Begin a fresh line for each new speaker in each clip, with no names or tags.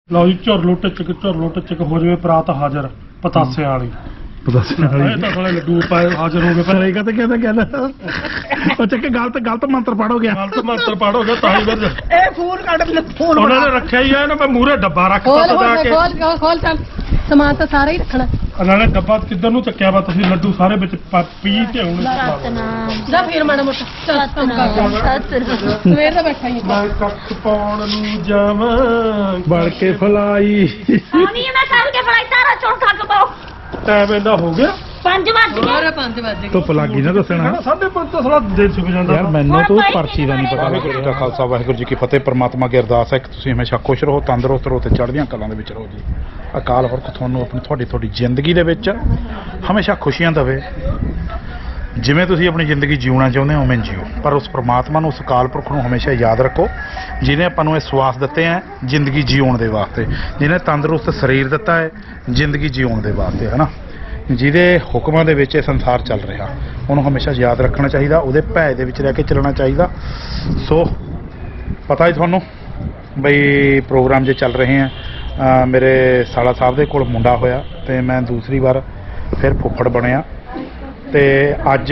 ਲਓ ਜੀ ਝੁਰਲੂ ਟਿਚਕ ਹੋ ਜਾਵੇ ਪਰਾਤ ਹਾਜ਼ਰ ਪਤਾਸਿਆਂ ਵਾਲੀ ਇਹ ਤਾਂ ਸਾਲੇ ਲੱਡੂ ਪਾਏ ਹਾਜ਼ਰ ਹੋ ਗਏ ਪਰ
ਇਹ ਕਹਿੰਦਾ ਉਹ ਚੱਕੇ ਗਲਤ ਮੰਤਰ ਪੜੋ ਗਿਆ
ਗਲਤ ਮੰਤਰ ਪੜ ਹੋ ਗਿਆ ਤਾਂ ਹੀ ਫਿਰ
ਇਹ ਫੋਨ ਕੱਢ ਲੈ ਫੋਨ
ਉਹਨਾਂ ਨੇ ਰੱਖਿਆ ਹੀ ਆ ਨਾ ਮੈਂ ਮੂਹਰੇ ਡੱਬਾ ਰੱਖਤਾ ਸਦਾ ਕੇ
ਖੋਲ ਚੱਲ ਸਮਾਨ ਤਾਂ ਸਾਰਾ ਹੀ ਰੱਖਣਾ
ਉਹਨਾਂ ਨੇ ਡੱਬਾ ਕਿੱਧਰ ਨੂੰ ਚੱਕਿਆ ਵਾ ਤੁਸੀਂ ਲੱਡੂ ਸਾਰੇ ਵਿੱਚ ਪੀ ਤੇ ਹੁਣ
ਜਾ ਫੇਰ ਮਾੜਾ ਮੋਟਾ ਚੱਲ ਕੰਮ ਕਰ ਸਵੇਰ ਦਾ ਬੈਠਾ ਹੀ
ਮੈਂ ਕੱਖ ਪਾਉਣ ਨੂੰ ਜਾਵਾਂ
ਬੜ ਕੇ ਫਲਾਈ
ਆਉਣੀ ਮੈਂ ਕੱਲ ਕੇ ਫੜਾਈ ਸਾਰਾ ਚੋਂ ਖੱਗ ਪਾਓ
ਟਾਈਮ ਇੰਨਾ ਹੋ ਗਿਆ
5 ਵਜੇ
ਹੋਰ 5 ਵਜੇ
ਧੁੱਪ ਲੱਗੀ ਨਾ ਦੱਸਣਾ
5:30 ਤਾਂ ਸਾਲਾ ਦਿਨ ਸੁੱਕ ਜਾਂਦਾ
ਯਾਰ ਮੈਨੂੰ ਤੂੰ ਪਰਚੀ ਦਾ ਨਹੀਂ ਪਤਾ ਵਾਹਿਗੁਰੂ ਜੀ ਕਾ ਖਾਲਸਾ ਵਾਹਿਗੁਰੂ ਜੀ ਕੀ ਫਤਿਹ। ਪ੍ਰਮਾਤਮਾ ਅੱਗੇ ਅਰਦਾਸ ਹੈ ਕਿ ਤੁਸੀਂ ਹਮੇਸ਼ਾ ਖੁਸ਼ ਰਹੋ, ਤੰਦਰੁਸਤ ਰਹੋ ਤੇ ਚੜ੍ਹਦੀਆਂ ਕਲਾਂ ਦੇ ਵਿੱਚ ਰਹੋ ਜੀ। ਅਕਾਲ ਪੁਰਖ ਤੁਹਾਨੂੰ ਆਪਣੀ ਤੁਹਾਡੀ ਜ਼ਿੰਦਗੀ ਦੇ ਵਿੱਚ ਹਮੇਸ਼ਾ ਖੁਸ਼ੀਆਂ ਦੇਵੇ। ਜਿਵੇਂ ਤੁਸੀਂ ਆਪਣੀ ਜ਼ਿੰਦਗੀ ਜਿਉਣਾ ਚਾਹੁੰਦੇ ਹੋ ਉਵੇਂ ਜੀਓ, ਪਰ ਉਸ ਪ੍ਰਮਾਤਮਾ ਨੂੰ, ਉਸ ਅਕਾਲ ਪੁਰਖ ਨੂੰ ਹਮੇਸ਼ਾ ਯਾਦ ਰੱਖੋ ਜਿਹਨੇ ਆਪਾਂ ਨੂੰ ਇਹ ਸਵਾਸ ਦਿੱਤੇ ਹੈ ਜ਼ਿੰਦਗੀ ਜਿਉਣ ਦੇ ਵਾਸਤੇ, ਜਿਹਨੇ ਤੰਦਰੁਸਤ ਸਰੀਰ ਦਿੱਤਾ ਹੈ ਜ਼ਿੰਦਗੀ ਜਿਉਣ ਦੇ ਵਾਸਤੇ, ਹੈ ਨਾ। ਜਿਹਦੇ ਹੁਕਮਾਂ ਦੇ ਵਿੱਚ ਇਹ ਸੰਸਾਰ ਚੱਲ ਰਿਹਾ ਉਹਨੂੰ ਹਮੇਸ਼ਾ ਯਾਦ ਰੱਖਣਾ ਚਾਹੀਦਾ, ਉਹਦੇ ਭੈ ਦੇ ਵਿੱਚ ਰਹਿ ਕੇ ਚੱਲਣਾ ਚਾਹੀਦਾ। ਸੋ ਪਤਾ ਹੀ ਤੁਹਾਨੂੰ ਬਈ ਪ੍ਰੋਗਰਾਮ ਜੇ ਚੱਲ ਰਹੇ ਆ, ਮੇਰੇ ਸਾਲਾ ਸਾਹਿਬ ਦੇ ਕੋਲ ਮੁੰਡਾ ਹੋਇਆ ਤੇ ਮੈਂ ਦੂਸਰੀ ਵਾਰ ਫਿਰ ਫੁੱਫੜ ਬਣਿਆ ਤੇ ਅੱਜ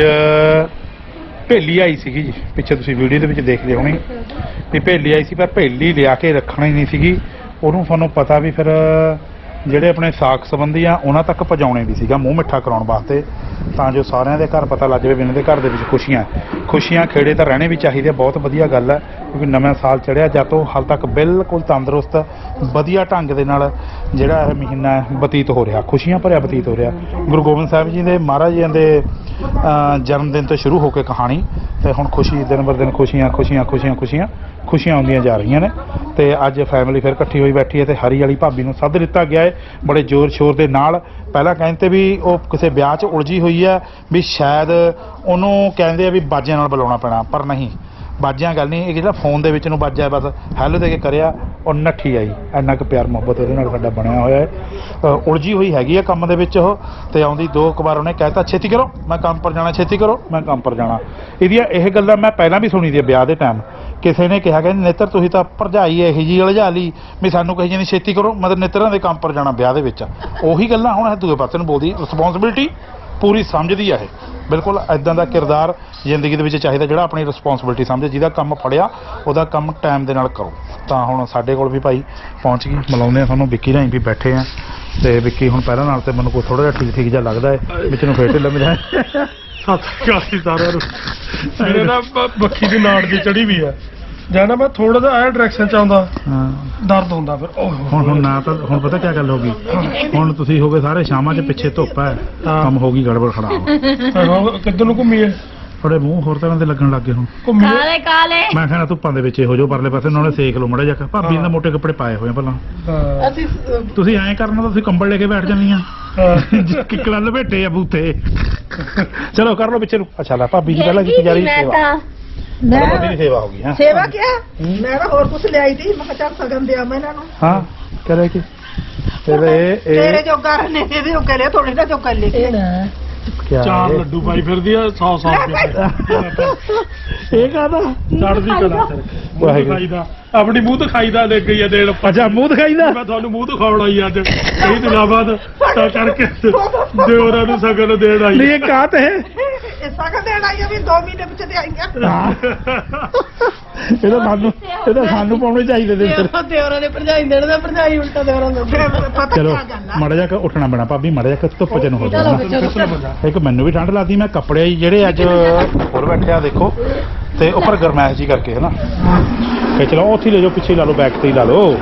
ਭੇਲੀ ਆਈ ਸੀਗੀ ਜੀ, ਪਿੱਛੇ ਤੁਸੀਂ ਵੀਡੀਓ ਦੇ ਵਿੱਚ ਦੇਖਦੇ ਹੋਣੀ ਵੀ ਭੇਲੀ ਆਈ ਸੀ, ਪਰ ਭੇਲੀ ਲਿਆ ਕੇ ਰੱਖਣੀ ਨਹੀਂ ਸੀਗੀ ਉਹਨੂੰ। ਤੁਹਾਨੂੰ ਪਤਾ ਵੀ ਫਿਰ ਜਿਹੜੇ ਆਪਣੇ ਸਾਕ ਸੰਬੰਧੀ ਆ ਉਹਨਾਂ ਤੱਕ ਪਹੁੰਚਾਉਣੇ ਵੀ ਸੀਗਾ ਮੂੰਹ ਮਿੱਠਾ ਕਰਾਉਣ ਵਾਸਤੇ, ਤਾਂ ਜੋ ਸਾਰਿਆਂ ਦੇ ਘਰ ਪਤਾ ਲੱਗ ਜਾਵੇ ਵੀ ਇਹਨਾਂ ਦੇ ਘਰ ਦੇ ਵਿੱਚ ਖੁਸ਼ੀਆਂ ਖੇੜੇ ਤਾਂ ਰਹਿਣੇ ਵੀ ਚਾਹੀਦੇ। ਬਹੁਤ ਵਧੀਆ ਗੱਲ ਹੈ ਕਿਉਂਕਿ ਨਵਾਂ ਸਾਲ ਚੜ੍ਹਿਆ ਜਦ ਤੋਂ ਹਾਲ ਤੱਕ ਬਿਲਕੁਲ ਤੰਦਰੁਸਤ ਵਧੀਆ ਢੰਗ ਦੇ ਨਾਲ ਜਿਹੜਾ ਇਹ ਮਹੀਨਾ ਬਤੀਤ ਹੋ ਰਿਹਾ, ਖੁਸ਼ੀਆਂ ਭਰਿਆ ਬਤੀਤ ਹੋ ਰਿਹਾ। ਗੁਰੂ ਗੋਬਿੰਦ ਸਾਹਿਬ ਜੀ ਦੇ ਮਹਾਰਾਜ ਜੀ ਦੇ ਜਨਮ ਦਿਨ ਤੋਂ ਸ਼ੁਰੂ ਹੋ ਕੇ ਕਹਾਣੀ ਤੇ ਹੁਣ ਖੁਸ਼ੀ ਦਿਨ ਬਰ ਦਿਨ ਖੁਸ਼ੀਆਂ ਆਉਂਦੀਆਂ ਜਾ ਰਹੀਆਂ ਨੇ। ਤੇ ਅੱਜ ਫੈਮਿਲੀ ਫਿਰ ਇਕੱਠੀ ਹੋਈ ਬੈਠੀ ਹੈ ਤੇ ਹਰੀ ਵਾਲੀ ਭਾਬੀ ਨੂੰ ਸੱਦ ਦਿੱਤਾ ਗਿਆ ਹੈ ਬੜੇ ਜ਼ੋਰ ਸ਼ੋਰ ਦੇ ਨਾਲ। ਪਹਿਲਾਂ ਕਹਿੰਦੇ ਵੀ ਉਹ ਕਿਸੇ ਵਿਆਹ 'ਚ ਉਲਝੀ ਹੋਈ ਹੈ ਵੀ ਸ਼ਾਇਦ ਉਹਨੂੰ ਕਹਿੰਦੇ ਆ ਵੀ ਬਾਜਿਆਂ ਨਾਲ ਬੁਲਾਉਣਾ ਪੈਣਾ, ਪਰ ਨਹੀਂ ਬਾਜਿਆਂ ਗੱਲ ਨਹੀਂ, ਇਹ ਜਿਹੜਾ ਫੋਨ ਦੇ ਵਿੱਚ ਨੂੰ ਬਾਜਿਆ ਬਸ ਹੈਲੋ ਦੇ ਕੇ ਕਰਿਆ ਉਹ ਨੱਠੀ ਆਈ। ਇੰਨਾ ਕੁ ਪਿਆਰ ਮੁਹੱਬਤ ਉਹਦੇ ਨਾਲ ਸਾਡਾ ਬਣਿਆ ਹੋਇਆ ਹੈ। ਉਲਝੀ ਹੋਈ ਹੈਗੀ ਆ ਕੰਮ ਦੇ ਵਿੱਚ ਉਹ, ਤੇ ਆਉਂਦੀ 2 ਵਾਰ ਉਹਨੇ ਕਹਿਤਾ ਛੇਤੀ ਕਰੋ ਮੈਂ ਕੰਮ ਪਰ ਜਾਣਾ, ਛੇਤੀ ਕਰੋ ਮੈਂ ਕੰਮ ਪਰ ਜਾਣਾ। ਇਹਦੀਆਂ ਇਹ ਗੱਲਾਂ ਮੈਂ ਪਹਿਲਾਂ ਵੀ ਸੁਣੀ ਦੀ ਵਿਆਹ ਦੇ ਟਾਈਮ, ਕਿਸੇ ਨੇ ਕਿਹਾ ਕਹਿੰਦੇ ਨੇਤਰ ਤੁਸੀਂ ਤਾਂ ਭਰਜਾਈ ਇਹੋ ਜਿਹੀ ਉਲਝਾ ਲਈ ਵੀ ਸਾਨੂੰ ਕਹੀ ਜਾਂਦੀ ਛੇਤੀ ਕਰੋ, ਮਤਲਬ ਨੇਤਰਾਂ ਦੇ ਕੰਮ ਪਰ ਜਾਣਾ ਵਿਆਹ ਦੇ ਵਿੱਚ। ਉਹੀ ਗੱਲਾਂ ਹੁਣ ਦੂਜੇ ਪਾਸੇ ਨੂੰ ਬੋਲਦੀ। ਰਿਸਪੌਂਸਿਬਿਲਿਟੀ ਪੂਰੀ ਸਮਝਦੀ ਆ ਇਹ, ਬਿਲਕੁਲ ਇੱਦਾਂ ਦਾ ਕਿਰਦਾਰ ਜ਼ਿੰਦਗੀ ਦੇ ਵਿੱਚ ਚਾਹੀਦਾ ਜਿਹੜਾ ਆਪਣੀ ਰਿਸਪੌਂਸਿਬਿਲਿਟੀ ਸਮਝੇ, ਜਿਹਦਾ ਕੰਮ ਫੜਿਆ ਉਹਦਾ ਕੰਮ ਟਾਈਮ ਦੇ ਨਾਲ ਕਰੋ। ਤਾਂ ਹੁਣ ਸਾਡੇ ਕੋਲ ਵੀ ਭਾਈ ਪਹੁੰਚ ਗਈ, ਮਿਲਾਉਂਦੇ ਆ ਤੁਹਾਨੂੰ। ਵਿੱਕੀ ਰਾਹੀਂ ਵੀ ਬੈਠੇ ਆ ਤੇ ਵਿੱਕੀ ਹੁਣ ਪਹਿਲਾਂ ਨਾਲ ਤੇ ਮੈਨੂੰ ਕੋਈ ਥੋੜਾ ਜਿਹਾ ਠੀਕ ਜਿਹਾ ਲੱਗਦਾ ਹੈ, ਵਿੱਚ ਨੂੰ ਫੇਰ ਢਿੱਲਾ ਮਿਲਿਆ।
ਸਤਿ ਸ਼੍ਰੀ ਅਕਾਲ ਸਾਰਿਆਂ ਨੂੰ। ਮੇਰੇ ਨਾ ਬੱਖੀ ਦੀ ਨਾੜ ਦੀ ਚੜੀ ਵੀ ਹੈ ਜਾਨਾ, ਮੈਂ ਥੋੜਾ ਜਿਹਾ ਆਇਆ ਡਾਇਰੈਕਸ਼ਨ ਚ ਆਉਂਦਾ ਦਰਦ ਹੁੰਦਾ ਫਿਰ।
ਹੁਣ ਨਾ ਤਾਂ ਹੁਣ ਪਤਾ ਕੀ ਗੱਲ ਹੋ ਗਈ, ਹੁਣ ਤੁਸੀਂ ਹੋ ਗਏ ਸਾਰੇ ਸ਼ਾਮਾਂ 'ਚ ਪਿੱਛੇ ਧੁੱਪ ਹੈ, ਕੰਮ ਹੋ ਗਈ ਗੜਬੜ ਖਰਾਬ।
ਕਿੱਧਰ ਨੂੰ ਘੁੰਮੀਏ?
ਥੋੜੇ ਮੂੰਹ ਹੋਰ ਤਰ੍ਹਾਂ ਦੇ ਲੱਗਣ ਲੱਗੇ ਹੁਣ।
ਕਾਲੇ ਕਾਲੇ
ਮੈਂ ਕਹਿੰਦਾ ਧੁੱਪਾਂ ਦੇ ਵਿੱਚ ਹੋ ਜਾਓ ਪਰਲੇ ਪਾਸੇ, ਉਹਨਾਂ ਨੇ ਸੇਕ ਲਓ ਮੜਾ ਜਾ। ਭਾਬੀ ਨੇ ਮੋਟੇ ਕੱਪੜੇ ਪਾਏ ਹੋਏ ਆ ਪਹਿਲਾਂ।
ਅਸੀਂ
ਤੁਸੀਂ ਐਂ ਕਰਨਾ ਤਾਂ ਤੁਸੀਂ ਕੰਬਲ ਲੈ ਕੇ ਬੈਠ ਜਾਂਦੀਆਂ ਕਿੱਕਲਾਂ ਲਪੇਟੇ ਆ ਬੂਥੇ। ਚਲੋ ਕਰ ਲਓ ਪਿੱਛੇ ਨੂੰ। ਅੱਛਾ ਲੈ ਭਾਬੀ ਜੀ ਪਹਿਲਾਂ ਕੀਤੀ ਜਾ ਰਹੀ ਸੇਵਾ, ਭਾਬੀ ਦੀ ਸੇਵਾ ਹੋ ਗਈ। ਹਾਂ
ਸੇਵਾ ਕਿਆ ਮੈਂ ਤਾਂ ਹੋਰ ਕੁਝ ਲਿਆਈ ਸੀ, ਮੈਂ ਕਿਹਾ ਚੱਲ ਸਗਨ ਦੇ ਆਵਾਂ ਇਹਨਾਂ ਨੂੰ।
ਹਾਂ ਕਰੇ ਕਿ
ਤੇਰੇ ਜੋਗਾ ਨੇ ਇਹਦੇ ਜੋਗਾ ਲਿਆ, ਥੋੜੇ ਦਾ ਜੋਗਾ ਲੈ ਕੇ
ਕਿਆ
4 ਲੱਡੂ ਪਾਈ ਫਿਰਦੀ ਆ 100 ਰੁਪਏ।
ਇਹ ਕਾਹਦਾ
ਚੜਦੀ ਕਲਾ ਤੇਰੇ ਖਾਈਦਾ, ਆਪਣੀ ਮੂੰਹ ਤੋਂ ਖਾਈਦਾ ਲੈ ਗਈ ਆ ਦੇਣ।
ਅੱਛਾ ਮੂੰਹ ਦਿਖਾਈਦਾ,
ਮੈਂ ਤੁਹਾਨੂੰ ਮੂੰਹ ਤੋਂ ਖਾਉਣਾ ਹੀ ਅੱਜ ਕਈ ਦਿਨਾਂ ਬਾਅਦ, ਤਾਂ ਕਰਕੇ ਦਿਓਰਾਂ ਨੂੰ ਸਗਨ ਦੇਣ ਆਈ।
ਨਹੀਂ ਇਹ ਕਾਹ ਤੇ
ਇਹ ਸਗਨ ਦੇਣ ਆਈ ਆ ਵੀ 2 ਮਹੀਨੇ ਪਿੱਛੇ ਤੇ ਆਈਆਂ।
ਇਹਦਾ ਸਾਨੂੰ ਪਾਉਣੇ ਚਾਹੀਦੇ ਦੇ
ਦਿਓਰਾਂ ਦੇ ਭਰਜਾਈ ਦੇਣ ਦਾ ਭਰਜਾਈ ਉਲਟਾ ਦਿਓਰਾਂ ਦਾ।
ਪਤਾ
ਚਲੋ
ਕੀ ਗੱਲ ਆ,
ਮੜਾ ਜਾ ਕੇ ਉੱਠਣਾ ਪੈਣਾ ਭਾਬੀ, ਮੜਾ ਜਾ ਕੇ ਧੁੱਪ ਚ ਨੂੰ ਹੋ ਜਾਣਾ।
ਚਲੋ
ਇੱਕ ਮੈਨੂੰ ਵੀ ਠੰਡ ਲੱਗਦੀ, ਮੈਂ ਕੱਪੜੇ ਜਿਹੜੇ ਅੱਜ ਹੋਰ ਬੈਠਿਆ ਦੇਖੋ ਤੇ ਉੱਪਰ ਗਰਮੈਸ਼ ਜੀ ਕਰਕੇ ਹੈ ਨਾ, ਕਿ ਚਲੋ ਉੱਥੇ ਲੈ ਜਾਓ, ਪਿੱਛੇ ਲਾ ਲਓ, ਬੈਕ ਤੇ ਹੀ ਲਾ ਲਓ।